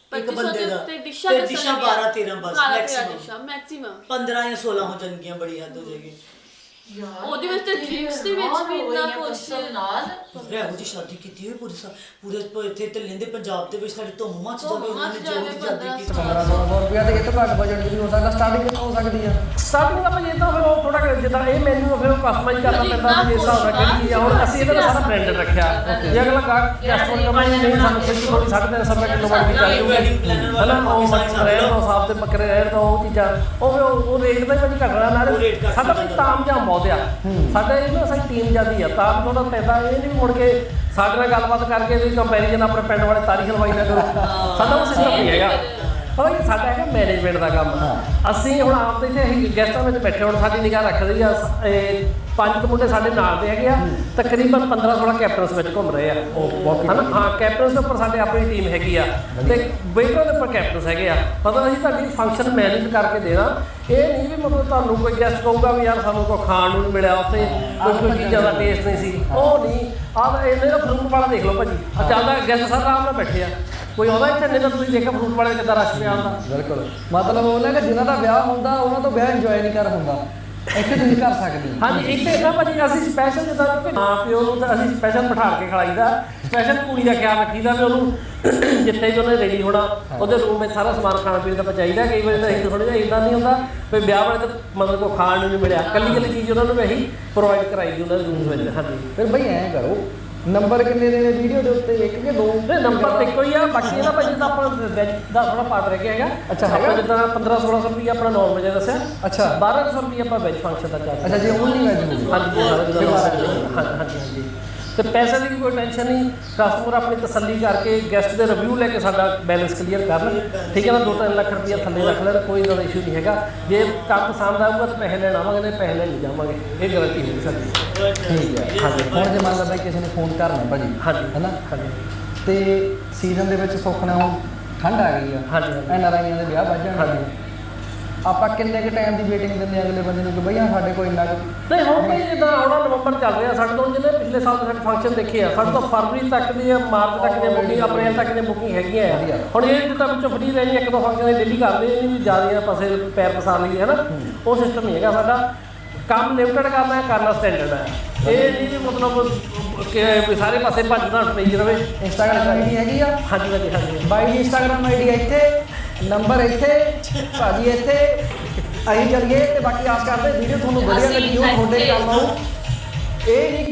[SPEAKER 1] ਇੱਕ ਬੰਦੇ ਦਾ
[SPEAKER 3] ਤੇ
[SPEAKER 1] ਡਿਸ਼ਾਂ 12 13 ਬਸ ਮੈਕਸਿਮਮ
[SPEAKER 3] ਮੈਕਸਿਮਮ
[SPEAKER 1] 15 ਜਾਂ 16 ਹੋ ਜਾਣਗੀਆਂ, ਬੜੀ ਹੱਦ ਹੋ ਜਾਏਗੀ।
[SPEAKER 3] ਉਹਦੇ ਵਿੱਚ ਤੇ ਡਰਿੰਕਸ ਦੇ ਵਿੱਚ ਵੀ ਇੰਨਾ ਕੁਛ
[SPEAKER 2] ਨਾਲ
[SPEAKER 1] ਇਹੋ ਜਿਹੀ ਸ਼ਾਦੀ ਕੀਤੀ ਹੋਈ ਪੂਰੇ ਇੱਥੇ ਤੇ ਲੈਂਦੇ ਪੰਜਾਬ ਦੇ ਵਿੱਚ ਸਾਡੀ ਧੁੰਮ ਮੱਚ ਜਾਵੇ, ਉਹਨਾਂ ਨੇ ਜੋ ਵੀ ਸ਼ਾਦੀ ਕੀਤੀ।
[SPEAKER 4] 1500 ਰੁਪਇਆ ਤੇ ਇਹ ਤੋਂ ਘੱਟ ਬਜਟ ਦੀ ਵੀ ਹੋ ਸਕਦਾ, ਸਟਾਰਟਿੰਗ ਕਿੰਨਾ ਹੋ ਸਕਦੀ ਆ?
[SPEAKER 5] ਸਟਾਰਟਿੰਗ ਆਪਾਂ ਜਿੱਦਾਂ ਫਿਰ ਉਹ ਥੋੜਾ ਜਿੱਦਾਂ ਇਹ ਮੈਨੂ ਫਿਰ ਉਹ ਕਸਟਮਾਈਜ਼ ਕਰਨਾ ਪੈਂਦਾ ਵੀ ਜਿਸ ਹਿਸਾਬ ਨਾਲ ਕਿਹੜੀ ਚੀਜ਼ ਆ। ਹੁਣ ਅਸੀਂ ਇਹਦਾ ਸਾਰਾ ਬ੍ਰਾਂਡਡ ਰੱਖਿਆ, ਜੇ ਅਗਲਾ ਕਸਟਮਰ ਕਮਾਈ ਨਹੀਂ ਸਾਨੂੰ ਫਿਰ ਥੋੜੀ 350 ਰੁਪਏ ਕਿਲੋ ਵਾਲੀ ਚੱਲ ਜੂਗੀ ਹਨਾ, ਉਹ ਰਹਿਣ ਦੋ ਸਾਫ ਤੇ ਬੱਕਰੇ ਰਹਿਣ ਦੋ, ਉਹ ਚੀਜ਼ਾਂ ਉਹ ਰੇਟ ਦਾ ਹੀ ਭਾਜੀ ਘਟਣਾ ਨਾਲ ਸਾਡਾ ਭਾਈ ਤਾਮਝਾਮ ਬਹੁਤ ਆ ਸਾਡੇ ਇਹਨਾਂ ਸਾਡੀ ਟੀਮ ਜਾਂਦੀ ਆ ਤਾਂ ਥੋੜਾ ਪੈਸਾ ਇਹ ਨਹੀਂ ਮੁੜ ਕੇ ਸਾਡੇ ਨਾਲ ਗੱਲਬਾਤ ਕਰਕੇ ਵੀ ਕੰਪੈਰੀਜ਼ਨ ਆਪਣੇ ਪਿੰਡ ਵਾਲੇ ਤਾਰੀਖ ਲਵਾਈ ਨਾ ਕਰੋ, ਸਾਡਾ ਉਹ ਸਿਸਟਮ ਨਹੀਂ ਹੈਗਾ। ਪਤਾ ਕੀ ਸਾਡਾ ਹੈਗਾ ਮੈਨੇਜਮੈਂਟ ਦਾ ਕੰਮ। ਅਸੀਂ ਹੁਣ ਆਪ ਦੇ ਇੱਥੇ ਅਸੀਂ ਗੈਸਟਾਂ ਵਿੱਚ ਬੈਠੇ ਹੁਣ ਸਾਡੀ ਨਿਗਾਹ ਰੱਖਦੇ ਆ 5 ਮੁੰਡੇ ਸਾਡੇ ਨਾਲ ਦੇ ਹੈਗੇ ਆ, ਤਕਰੀਬਨ 15-16 ਕੈਪਟਨਸ ਵਿੱਚ ਘੁੰਮ ਰਹੇ ਆ ਹਨਾ। ਹਾਂ ਕੈਪਟਨਸ ਦੇ ਉੱਪਰ ਸਾਡੇ ਆਪਣੀ ਟੀਮ ਹੈਗੀ ਆ ਤੇ ਵੇਟਰਾਂ ਦੇ ਉੱਪਰ ਕੈਪਟਨਸ ਹੈਗੇ ਆ। ਮਤਲਬ ਅਸੀਂ ਤੁਹਾਡੀ ਫੰਕਸ਼ਨ ਮੈਨੇਜ ਕਰਕੇ ਦੇਣਾ, ਇਹ ਨਹੀਂ ਵੀ ਮਤਲਬ ਤੁਹਾਨੂੰ ਕੋਈ ਗੈਸਟ ਕਹੂਗਾ ਵੀ ਯਾਰ ਸਾਨੂੰ ਕੋਈ ਖਾਣ ਨੂੰ ਨਹੀਂ ਮਿਲਿਆ ਉੱਥੇ, ਕੋਈ ਚੀਜ਼ਾਂ ਦਾ ਟੇਸਟ ਨਹੀਂ ਸੀ, ਉਹ ਨਹੀਂ। ਆਹ ਇਹਨੇ ਦਾ ਫਰੂਟ ਵਾਲਾ ਦੇਖ ਲਓ ਭਾਜੀ, ਚੱਲਦਾ ਗੈਸਟ ਸਾਰੇ ਆਰਾਮ ਨਾਲ ਬੈਠੇ ਆ, ਕੋਈ ਆਉਂਦਾ ਇੱਥੇ ਨਹੀਂ ਤਾਂ ਤੁਸੀਂ ਦੇਖਿਆ ਫਰੂਟ ਵਾਲੇ ਕਿੱਦਾਂ ਰਸ਼ ਪਿਆ ਹੁੰਦਾ।
[SPEAKER 4] ਬਿਲਕੁਲ, ਮਤਲਬ ਉਹਨਾਂ ਦਾ ਜਿਨ੍ਹਾਂ ਦਾ ਵਿਆਹ ਹੁੰਦਾ ਉਹਨਾਂ ਤੋਂ ਵਿਆਹ ਇੰਜੋਏ ਨਹੀਂ ਕਰ ਹੁੰਦਾ, ਇੱਥੇ ਤੁਸੀਂ ਕਰ ਸਕਦੇ।
[SPEAKER 5] ਹਾਂਜੀ ਇੱਥੇ ਨਾ ਭਾਜੀ ਅਸੀਂ ਸਪੈਸ਼ਲ ਜਿੱਦਾਂ ਕਿ ਮਾਂ ਪਿਓ ਨੂੰ ਤਾਂ ਅਸੀਂ ਸਪੈਸ਼ਲ ਬਿਠਾ ਕੇ ਖਿਲਾਈਦਾ, ਸਪੈਸ਼ਲ ਕੁੜੀ ਦਾ ਖਿਆਲ ਰੱਖੀਦਾ ਵੀ ਉਹਨੂੰ ਜਿੱਥੇ ਵੀ ਉਹਨੇ ਰੈਡੀ ਹੋਣਾ ਉਹਦੇ ਰੂਮ ਵਿੱਚ ਸਾਰਾ ਸਮਾਨ ਖਾਣ ਪੀਣ ਦਾ ਪਹੁੰਚਾਈਦਾ। ਕਈ ਵਾਰੀ ਤਾਂ ਅਸੀਂ ਥੋੜ੍ਹਾ ਜਿਹਾ ਇੱਦਾਂ ਨਹੀਂ ਹੁੰਦਾ ਵੀ ਵਿਆਹ ਵਾਲੇ ਤਾਂ ਮਤਲਬ ਕੋਈ ਖਾਣ ਨੂੰ ਨਹੀਂ ਮਿਲਿਆ, ਕੱਲੀ ਚੀਜ਼ ਉਹਨਾਂ ਨੂੰ ਅਸੀਂ ਪ੍ਰੋਵਾਈਡ ਕਰਾਈ ਦੀ ਉਹਨਾਂ ਦੇ ਰੂਮ ਵਿੱਚ। ਹਾਂਜੀ
[SPEAKER 4] ਫਿਰ ਬਈ ਐਂ ਕਰੋ, ਨੰਬਰ ਕਿੰਨੇ ਦੇਣੇ ਵੀਡੀਓ ਦੇ ਉੱਤੇ, 1 ਕਿ 2?
[SPEAKER 5] ਨਹੀਂ ਨੰਬਰ ਤਾਂ ਇੱਕੋ ਹੀ ਆ, ਬਾਕੀ ਇਹਦਾ ਭਾਜੀ ਦਾ ਆਪਣਾ ਵੈਜ ਦਾ ਥੋੜਾ ਪਾਰਟ ਰਹਿ ਗਿਆ ਹੈਗਾ।
[SPEAKER 4] ਅੱਛਾ ਹੈਗਾ,
[SPEAKER 5] ਜਿੱਦਾਂ 1500-1600 ਰੁਪਏ ਆਪਣਾ ਨੌਨ ਵੈਜ ਦੱਸਿਆ,
[SPEAKER 4] ਅੱਛਾ
[SPEAKER 5] 1200 ਰੁਪਏ ਆਪਾਂ ਵੈਜ ਫੰਕਸ਼ਨ ਦਾ ਚਾਰਜ।
[SPEAKER 4] ਅੱਛਾ ਜੀ ਓਨਲੀ ਵੈਜ ਹੋਊਗਾ।
[SPEAKER 5] ਹਾਂਜੀ ਤੇ ਪੈਸੇ ਦੀ ਕੋਈ ਟੈਨਸ਼ਨ ਨਹੀਂ, ਕਸਟਮਰ ਆਪਣੀ ਤਸੱਲੀ ਕਰਕੇ ਗੈਸਟ ਦੇ ਰਿਵਿਊ ਲੈ ਕੇ ਸਾਡਾ ਬੈਲੈਂਸ ਕਲੀਅਰ ਕਰਨ, ਠੀਕ ਹੈ ਨਾ। 2-3 ਲੱਖ ਰੁਪਏ ਥੱਲੇ ਰੱਖ ਲੈਣ, ਕੋਈ ਜ਼ਿਆਦਾ ਇਸ਼ੂ ਨਹੀਂ ਹੈਗਾ। ਜੇ ਕੰਮ ਪਸੰਦ ਆਊਗਾ ਤਾਂ ਪੈਸੇ ਲੈਣ ਆਵਾਂਗੇ, ਨਹੀਂ ਪੈਸੇ ਲੈਣ ਨਹੀਂ ਜਾਵਾਂਗੇ, ਇਹ ਗਾਰੰਟੀ ਹੋਊਗੀ ਸਾਡੀ।
[SPEAKER 4] ਠੀਕ ਹੈ ਹਾਂਜੀ। ਹੁਣ ਜੇ ਮੰਨ ਲਾ ਬਾਈ ਕਿਸੇ ਨੇ ਫੋਨ ਕਰਨਾ ਭਾਜੀ,
[SPEAKER 5] ਹਾਂਜੀ
[SPEAKER 4] ਹੈ ਨਾ,
[SPEAKER 5] ਹਾਂਜੀ
[SPEAKER 4] ਤੇ ਸੀਜ਼ਨ ਦੇ ਵਿੱਚ ਸੁੱਖਣਾ ਹੁਣ ਠੰਡ ਆ ਗਈ ਆ,
[SPEAKER 5] ਹਾਂਜੀ
[SPEAKER 4] NRIਆਂ ਦੇ ਵਿਆਹ ਵੱਜ ਜਾਣਗੇ, ਆਪਾਂ ਕਿੰਨੇ ਕੁ ਟਾਈਮ ਦੀ ਵੇਟਿੰਗ ਦਿੰਦੇ ਅਗਲੇ ਬੰਦੇ ਨੂੰ ਕਿ ਬਈ ਸਾਡੇ ਕੋਲ ਇੰਨਾ
[SPEAKER 5] ਨਹੀਂ ਹੁਣ ਭਾਈ ਜਿੱਦਾਂ ਆਉਣਾ ਨਵੰਬਰ ਚੱਲ ਰਿਹਾ ਸਾਡੇ ਤੋਂ, ਜਿਹਨੇ ਪਿਛਲੇ ਸਾਲ ਸਾਡੇ ਫੰਕਸ਼ਨ ਦੇਖੇ ਆ ਸਾਡੇ ਤੋਂ ਫਰਵਰੀ ਤੱਕ ਦੀ ਮਾਰਚ ਤੱਕ ਦੀਆਂ ਬੁਕਿੰਗ, ਅਪ੍ਰੈਲ ਤੱਕ ਦੀਆਂ ਬੁਕਿੰਗ ਹੈਗੀਆਂ ਆ। ਹੁਣ ਇਹ ਜਿੱਦਾਂ ਵਿੱਚੋਂ ਫਰੀ ਰਹਿਣੀ, 1-2 ਫੰਕਸ਼ਨ ਡੇਲੀ ਕਰਦੇ ਇਹ ਨਹੀਂ ਵੀ ਜ਼ਿਆਦਾ ਪਾਸੇ ਪੈਰ ਪਸਾਰ ਲਈਏ ਹੈ ਨਾ, ਉਹ ਸਿਸਟਮ ਨਹੀਂ ਹੈਗਾ ਸਾਡਾ। ਕੰਮ ਲਿਮਟਡ ਕਰਨਾ ਸਟੈਂਡਰਡ ਹੈ, ਇਹ ਨਹੀਂ ਵੀ ਮਤਲਬ ਕਿ ਸਾਰੇ ਪਾਸੇ ਭੱਜਦਾ ਪਈ ਰਵੇ।
[SPEAKER 4] ਇੰਸਟਾਗ੍ਰਾਮ ਆਈਡੀ ਹੈਗੀ ਆ?
[SPEAKER 5] ਹਾਂਜੀ ਭਾਜੀ ਹਾਂਜੀ
[SPEAKER 4] ਬਾਈ ਦੀ ਇੰਸਟਾਗ੍ਰਾਮ ਆਈਡੀ ਇੱਥੇ, ਨੰਬਰ ਇੱਥੇ, ਭਾਜੀ ਇੱਥੇ, ਅਸੀਂ ਚੱਲੀਏ ਤੇ ਬਾਕੀ ਆਸ ਕਰਦੇ ਵੀਡੀਓ ਤੁਹਾਨੂੰ ਵਧੀਆ ਲੱਗੀ ਹੋ, ਤੁਹਾਡੇ ਕੰਮ ਆਊ। ਇਹ ਨਹੀਂ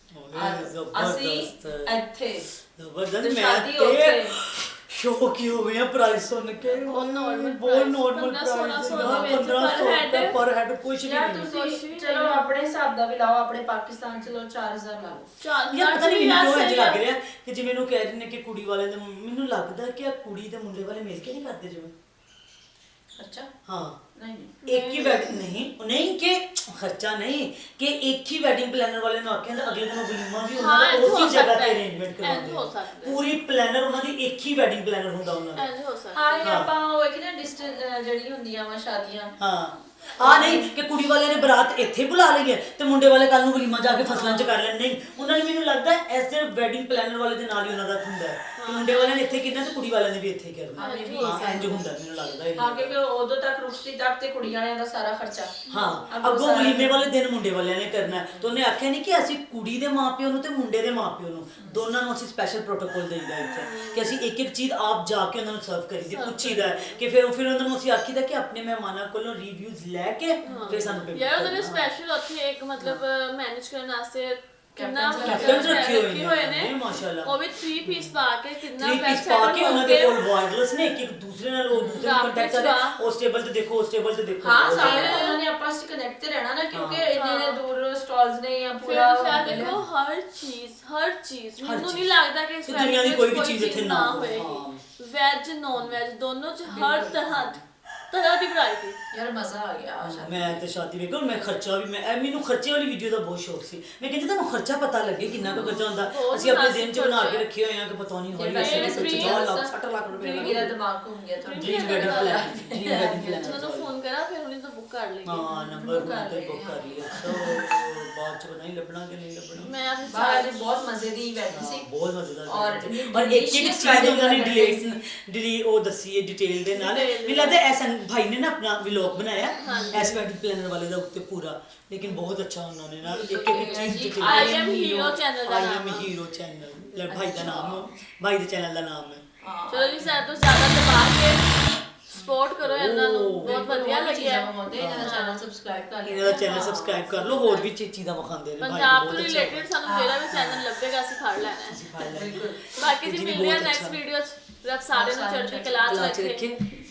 [SPEAKER 2] ਅਸੀਂ ਇੱਥੇ
[SPEAKER 1] ਜ਼ਬਰਦਸਤ,
[SPEAKER 2] ਸ਼ਾਦੀ
[SPEAKER 1] ਮੈਂ
[SPEAKER 2] ਉੱਥੇ
[SPEAKER 1] ਸ਼ੌਕ ਹੀ ਹੋ ਗਏ ਆ ਪ੍ਰਾਈਸ ਸੁਣ ਕੇ।
[SPEAKER 3] ਬਹੁਤ normal
[SPEAKER 1] ਬਹੁਤ ਨੋਰਮਲ
[SPEAKER 3] 1500
[SPEAKER 1] ਪ੍ਰਾਈਸ, 1500 ਪਰ ਹੈਡ ਕੁਝ ਵੀ
[SPEAKER 2] ਯਾਰ
[SPEAKER 1] ਨਹੀਂ।
[SPEAKER 2] ਤੁਸੀਂ ਚਲੋ ਆਪਣੇ ਹਿਸਾਬ ਦਾ ਵੀ ਲਾਓ, ਆਪਣੇ ਪਾਕਿਸਤਾਨ ਚ ਲਓ 4000 ਲਾ ਲਓ।
[SPEAKER 1] ਯਾਰ ਪਤਾ ਨਹੀਂ ਮੈਨੂੰ ਕਿਉਂ ਇੰਝ ਲੱਗ ਰਿਹਾ ਕਿ ਜਿਵੇਂ ਇਹਨੂੰ ਕਹਿ ਰਹੇ ਨੇ ਕਿ ਕੁੜੀ ਵਾਲੇ ਦੇ, ਮੈਨੂੰ ਲੱਗਦਾ ਕਿ ਆ ਕੁੜੀ ਤੇ ਮੁੰਡੇ ਵਾਲੇ ਮਿਲ ਕੇ ਨਹੀਂ ਕਰਦੇ ਜਿਵੇਂ।
[SPEAKER 2] ਅੱਛਾ
[SPEAKER 1] ਹਾਂ
[SPEAKER 2] ਨਹੀਂ
[SPEAKER 1] ਇੱਕ ਹੀ ਵੈਡਿੰਗ ਨਹੀਂ ਕਿ ਖਰਚਾ ਨਹੀਂ ਕਿ ਇੱਕ ਹੀ ਵੈਡਿੰਗ ਪਲੈਨਰ ਵਾਲੇ ਨੂੰ ਆਖਿਆ ਤਾਂ ਅਗਲੇ ਦਿਨ ਵਲੀਮਾ ਵੀ ਉਹਨਾਂ ਦਾ ਉਸੇ ਜਗ੍ਹਾ ਤੇ ਅਰੇਂਜਮੈਂਟ ਕਰਵਾਉਂਦੇ, ਪੂਰੀ ਪਲੈਨਰ ਉਹਨਾਂ ਦੀ ਇੱਕ ਹੀ ਵੈਡਿੰਗ ਪਲੈਨਰ ਹੁੰਦਾ ਉਹਨਾਂ ਦਾ।
[SPEAKER 2] ਹਾਂ ਇਹ ਆਪਾਂ ਉਹ ਇੱਕ ਨਾ ਡਿਸਟੈਂਸ ਜਿਹੜੀ ਹੁੰਦੀਆਂ ਵਾ ਸ਼ਾਦੀਆਂ,
[SPEAKER 1] ਹਾਂ ਆ ਨਹੀਂ ਕਿ ਕੁੜੀ ਵਾਲਿਆਂ ਨੇ ਬਰਾਤ ਇੱਥੇ ਬੁਲਾ ਲਈ ਹੈ ਤੇ ਮੁੰਡੇ ਵਾਲੇ ਕੱਲ ਨੂੰ ਵਲੀਮਾ ਜਾ ਕੇ ਫਸਲਾਂ 'ਚ ਕਰ ਲੈਣ, ਨਹੀਂ ਉਹਨਾਂ ਨੇ ਮੈਨੂੰ ਲੱਗਦਾ ਐਸੇ ਵੈਡਿੰਗ ਪਲੈਨਰ ਵਾਲੇ ਦੇ ਨਾਲ ਹੀ ਉਹਨਾਂ ਦਾ ਹੁੰਦਾ ਹੈ ਕਿ ਮੁੰਡੇ ਵਾਲਿਆਂ ਨੇ ਇੱਥੇ ਕਿੰਨਾ ਤੇ ਕੁੜੀ ਵਾਲਿਆਂ ਨੇ ਵੀ ਇੱਥੇ ਕਰਨਾ। ਹਾਂ ਇੰਜ ਹੁੰਦਾ ਮੈਨੂੰ ਲੱਗਦਾ ਇਹ।
[SPEAKER 2] ਹਾਂ ਕਿਉਂਕਿ ਉਦੋਂ ਤੱਕ ਰੁਸ਼ਤੀ ਤੱਕ ਤੇ ਕੁੜੀਆਂ ਵਾਲਿਆਂ ਦਾ ਸਾਰਾ ਖਰਚਾ,
[SPEAKER 1] ਹਾਂ ਅੱਗੋਂ ਵਲੀਮੇ ਵਾਲੇ ਦਿਨ ਮੁੰਡੇ ਵਾਲਿਆਂ ਨੇ ਕਰਨਾ। ਤੇ ਉਹਨੇ ਆਖਿਆ ਨਹੀਂ ਕਿ ਅਸੀਂ ਕੁੜੀ ਦੇ ਮਾਪਿਓ ਨੂੰ ਤੇ ਮੁੰਡੇ ਦੇ ਮਾਪਿਓ ਨੂੰ ਦੋਨਾਂ ਨੂੰ ਅਸੀਂ ਸਪੈਸ਼ਲ ਪ੍ਰੋਟੋਕੋਲ ਦੇਈਦਾ ਇੱਥੇ ਕਿ ਅਸੀਂ ਇੱਕ ਚੀਜ਼ ਆਪ ਜਾ ਕੇ ਉਹਨਾਂ ਨੂੰ ਸਰਵ ਕਰੀਦੀ, ਪੁੱਛੀਦਾ ਕਿ ਫਿਰ ਉਹਨਾਂ ਨੂੰ ਅਸੀਂ ਆਖੀਦਾ ਕਿ ਆਪਣੇ ਮਹਿਮਾਨਾਂ ਕੋਲੋਂ ਰਿਵਿਊਜ਼ ਲੈ ਕੇ ਫਿਰ ਸਾਨੂੰ
[SPEAKER 3] ਯਾਰ ਉਹਨੇ ਸਪੈਸ਼ਲ ਉੱਥੇ ਇੱਕ ਮਤਲਬ ਮੈਨੇਜ ਕਰਨ ਵਾਸਤੇ ਕਿੰਨਾ
[SPEAKER 1] ਕੈਪਟਨਸ ਰੱਖੇ ਹੋਏ
[SPEAKER 3] ਨੇ
[SPEAKER 1] ਮਾਸ਼ਾਅੱਲਾ,
[SPEAKER 3] ਉਹ ਵੀ 3 ਪੀਸ ਪਾ ਕੇ ਕਿੰਨਾ
[SPEAKER 1] ਪੈਸੇ ਪਾ ਕੇ ਉਹਨਾਂ ਦੇ ਕੋਲ ਵਾਇਰਲੈਸ ਨੇ ਇੱਕ ਦੂਸਰੇ ਨਾਲ ਉਹ ਦੂਸਰੇ ਨੂੰ ਕੰਟੈਕਟ ਕਰਦੇ, ਉਸ ਟੇਬਲ ਤੇ ਦੇਖੋ ਉਸ ਟੇਬਲ ਤੇ ਦੇਖੋ।
[SPEAKER 2] ਹਾਂ ਸਾਰੇ ਉਹਨਾਂ ਨੇ ਆਪਸ ਵਿੱਚ ਕਨੈਕਟ ਤੇ ਰਹਿਣਾ ਨਾ ਕਿਉਂਕਿ ਇੰਨੇ ਦੂਰ ਸਟਾਲਸ ਨੇ ਜਾਂ ਪੂਰਾ
[SPEAKER 3] ਦੇਖੋ ਹਰ ਚੀਜ਼ ਮੈਨੂੰ ਨਹੀਂ ਲੱਗਦਾ ਕਿ ਇਸ
[SPEAKER 1] ਦੁਨੀਆ ਦੀ ਕੋਈ ਵੀ ਚੀਜ਼ ਇੱਥੇ ਨਾ
[SPEAKER 3] ਹੋਏ, ਵੈਜ ਨੌਨ ਵੈਜ ਦੋਨੋਂ ਚ ਹਰ ਤਰ੍ਹਾਂ ਤਰ੍ਹਾਂ ਦੀ ਵੈਰਾਈਟੀ।
[SPEAKER 2] ਯਾਰ ਮਜ਼ਾ ਆ ਗਿਆ ਆਸ਼ਾ।
[SPEAKER 1] ਮੈਂ ਤੇ ਸ਼ਾਦੀ ਵੇਖੋ ਮੈਂ ਖਰਚਾ ਵੀ ਮੈਨੂੰ ਖਰਚੇ ਵਾਲੀ ਵੀਡੀਓ ਦਾ ਬਹੁਤ ਸ਼ੌਕ ਸੀ। ਮੈਂ ਕਹਿੰਦੀ ਤੁਹਾਨੂੰ ਖਰਚਾ ਪਤਾ ਲੱਗੇ ਕਿੰਨਾ ਕੁ ਖਰਚਾ ਹੁੰਦਾ। ਅਸੀਂ ਆਪਣੇ ਦਿਨ ਚ ਬਣਾ ਕੇ ਰੱਖੇ ਹੋਏ ਆ ਕਿ ਪਤਾ ਨਹੀਂ ਹੋਈ ਅਸੀਂ 50 ਲੱਖ 60 ਲੱਖ ਰੁਪਏ
[SPEAKER 2] ਮੇਰਾ ਦਿਮਾਗ ਘੁੰਮ ਗਿਆ ਤੁਹਾਡਾ।
[SPEAKER 1] Dream wedding plan dream wedding plan
[SPEAKER 3] ਜਦੋਂ ਫੋਨ ਕਰਾਂ ਫਿਰ ਉਹਨੇ ਤਾਂ ਬੁੱਕ ਕਰ ਲਈ।
[SPEAKER 1] ਹਾਂ ਨੰਬਰ ਤੇ ਬੁੱਕ ਕਰ ਲਿਆ। ਸੋ ਬਾਅਦ ਚ ਪਤਾ ਨਹੀਂ ਲੱਭਣਾ ਕਿ ਨਹੀਂ ਲੱਭਣਾ।
[SPEAKER 3] ਮੈਂ ਆਪਣੇ
[SPEAKER 2] ਬਾਹਰ ਬਹੁਤ ਮਜ਼ੇ ਦੀ ਇਵੈਂਟ ਸੀ
[SPEAKER 1] ਬਹੁਤ ਮਜ਼ੇਦਾਰ
[SPEAKER 2] ਔਰ
[SPEAKER 1] ਪਰ ਇੱਕ ਚੀਜ਼ ਉਹਨਾਂ ਨੇ ਡਿਲੀਟ ਉਹ ਦੱਸੀ ਹੈ ਡਿਟੇਲ ਦੇ ਨਾਲ। ਮੈਨੂੰ ਲੱਗਦਾ ਐਸਨ ਭਾਈ ਨੇ ਨਾ ਆਪਣਾ ਵਲੌਗ ਬਣਾਇਆ ਐਸ ਵੈਡਿੰਗ ਪਲਾਨਰ ਵਾਲੇ ਦਾ ਉੱਤੇ ਪੂਰਾ, ਲੇਕਿਨ ਬਹੁਤ ਅੱਛਾ ਉਹਨਾਂ ਨੇ ਨਾ ਇੱਕ ਚੀਜ਼ detail
[SPEAKER 3] I am hero channel ਦਾ
[SPEAKER 1] I
[SPEAKER 3] ਨਾਮ
[SPEAKER 1] am hero ਚੈਨਲ ਭਾਈ ਦਾ ਨਾਮ ਭਾਈ ਦੇ ਚੈਨਲ ਦਾ ਨਾਮ ਹੈ।
[SPEAKER 3] ਚਲੋ ਜੀ ਜ਼ਿਆਦਾ ਤੋਂ ਜ਼ਿਆਦਾ ਦਬਾ ਕੇ ਸਪੋਰਟ ਕਰੋ ਇਹਨਾਂ ਨੂੰ, ਬਹੁਤ ਵਧੀਆ ਲੱਗਿਆ।
[SPEAKER 2] ਇਹਨਾਂ ਦਾ ਚੈਨਲ ਸਬਸਕ੍ਰਾਈਬ ਕਰ ਲਿਓ।
[SPEAKER 1] ਇਹਨਾਂ ਦਾ ਚੈਨਲ ਸਬਸਕ੍ਰਾਈਬ ਕਰ ਲਓ। ਹੋਰ ਵੀ ਚੀਜ਼ਾਂ ਵਿਖਾਉਂਦੇ ਨੇ ਭਾਈ
[SPEAKER 3] ਪੰਜਾਬ ਤੋਂ
[SPEAKER 1] ਬਹੁਤ ਅੱਛਾ
[SPEAKER 3] ਰਿਲੇਟਡ ਸਾਨੂੰ ਜਿਹੜਾ ਵੀ ਚੈਨਲ ਲੱਭੇਗਾ ਅਸੀਂ ਫੜ ਲੈਣਾ ਹੈ।
[SPEAKER 1] ਸਿਖਾ ਲੈਣਾ।
[SPEAKER 3] ਬਾਕੀ ਜੀ
[SPEAKER 1] ਜੀ ਵੀ
[SPEAKER 3] ਮਿਲਦੇ ਆ
[SPEAKER 1] ਬਹੁਤ
[SPEAKER 3] ਨੈਕਸਟ
[SPEAKER 1] ਅੱਛਾ।
[SPEAKER 3] ਵੀਡੀਓ 'ਚ। ਰੱਬ ਸਾਰਿਆਂ ਨੂੰ ਚੜ੍ਹਦੀ ਕਲਾ 'ਚ ਰੱਖੇ।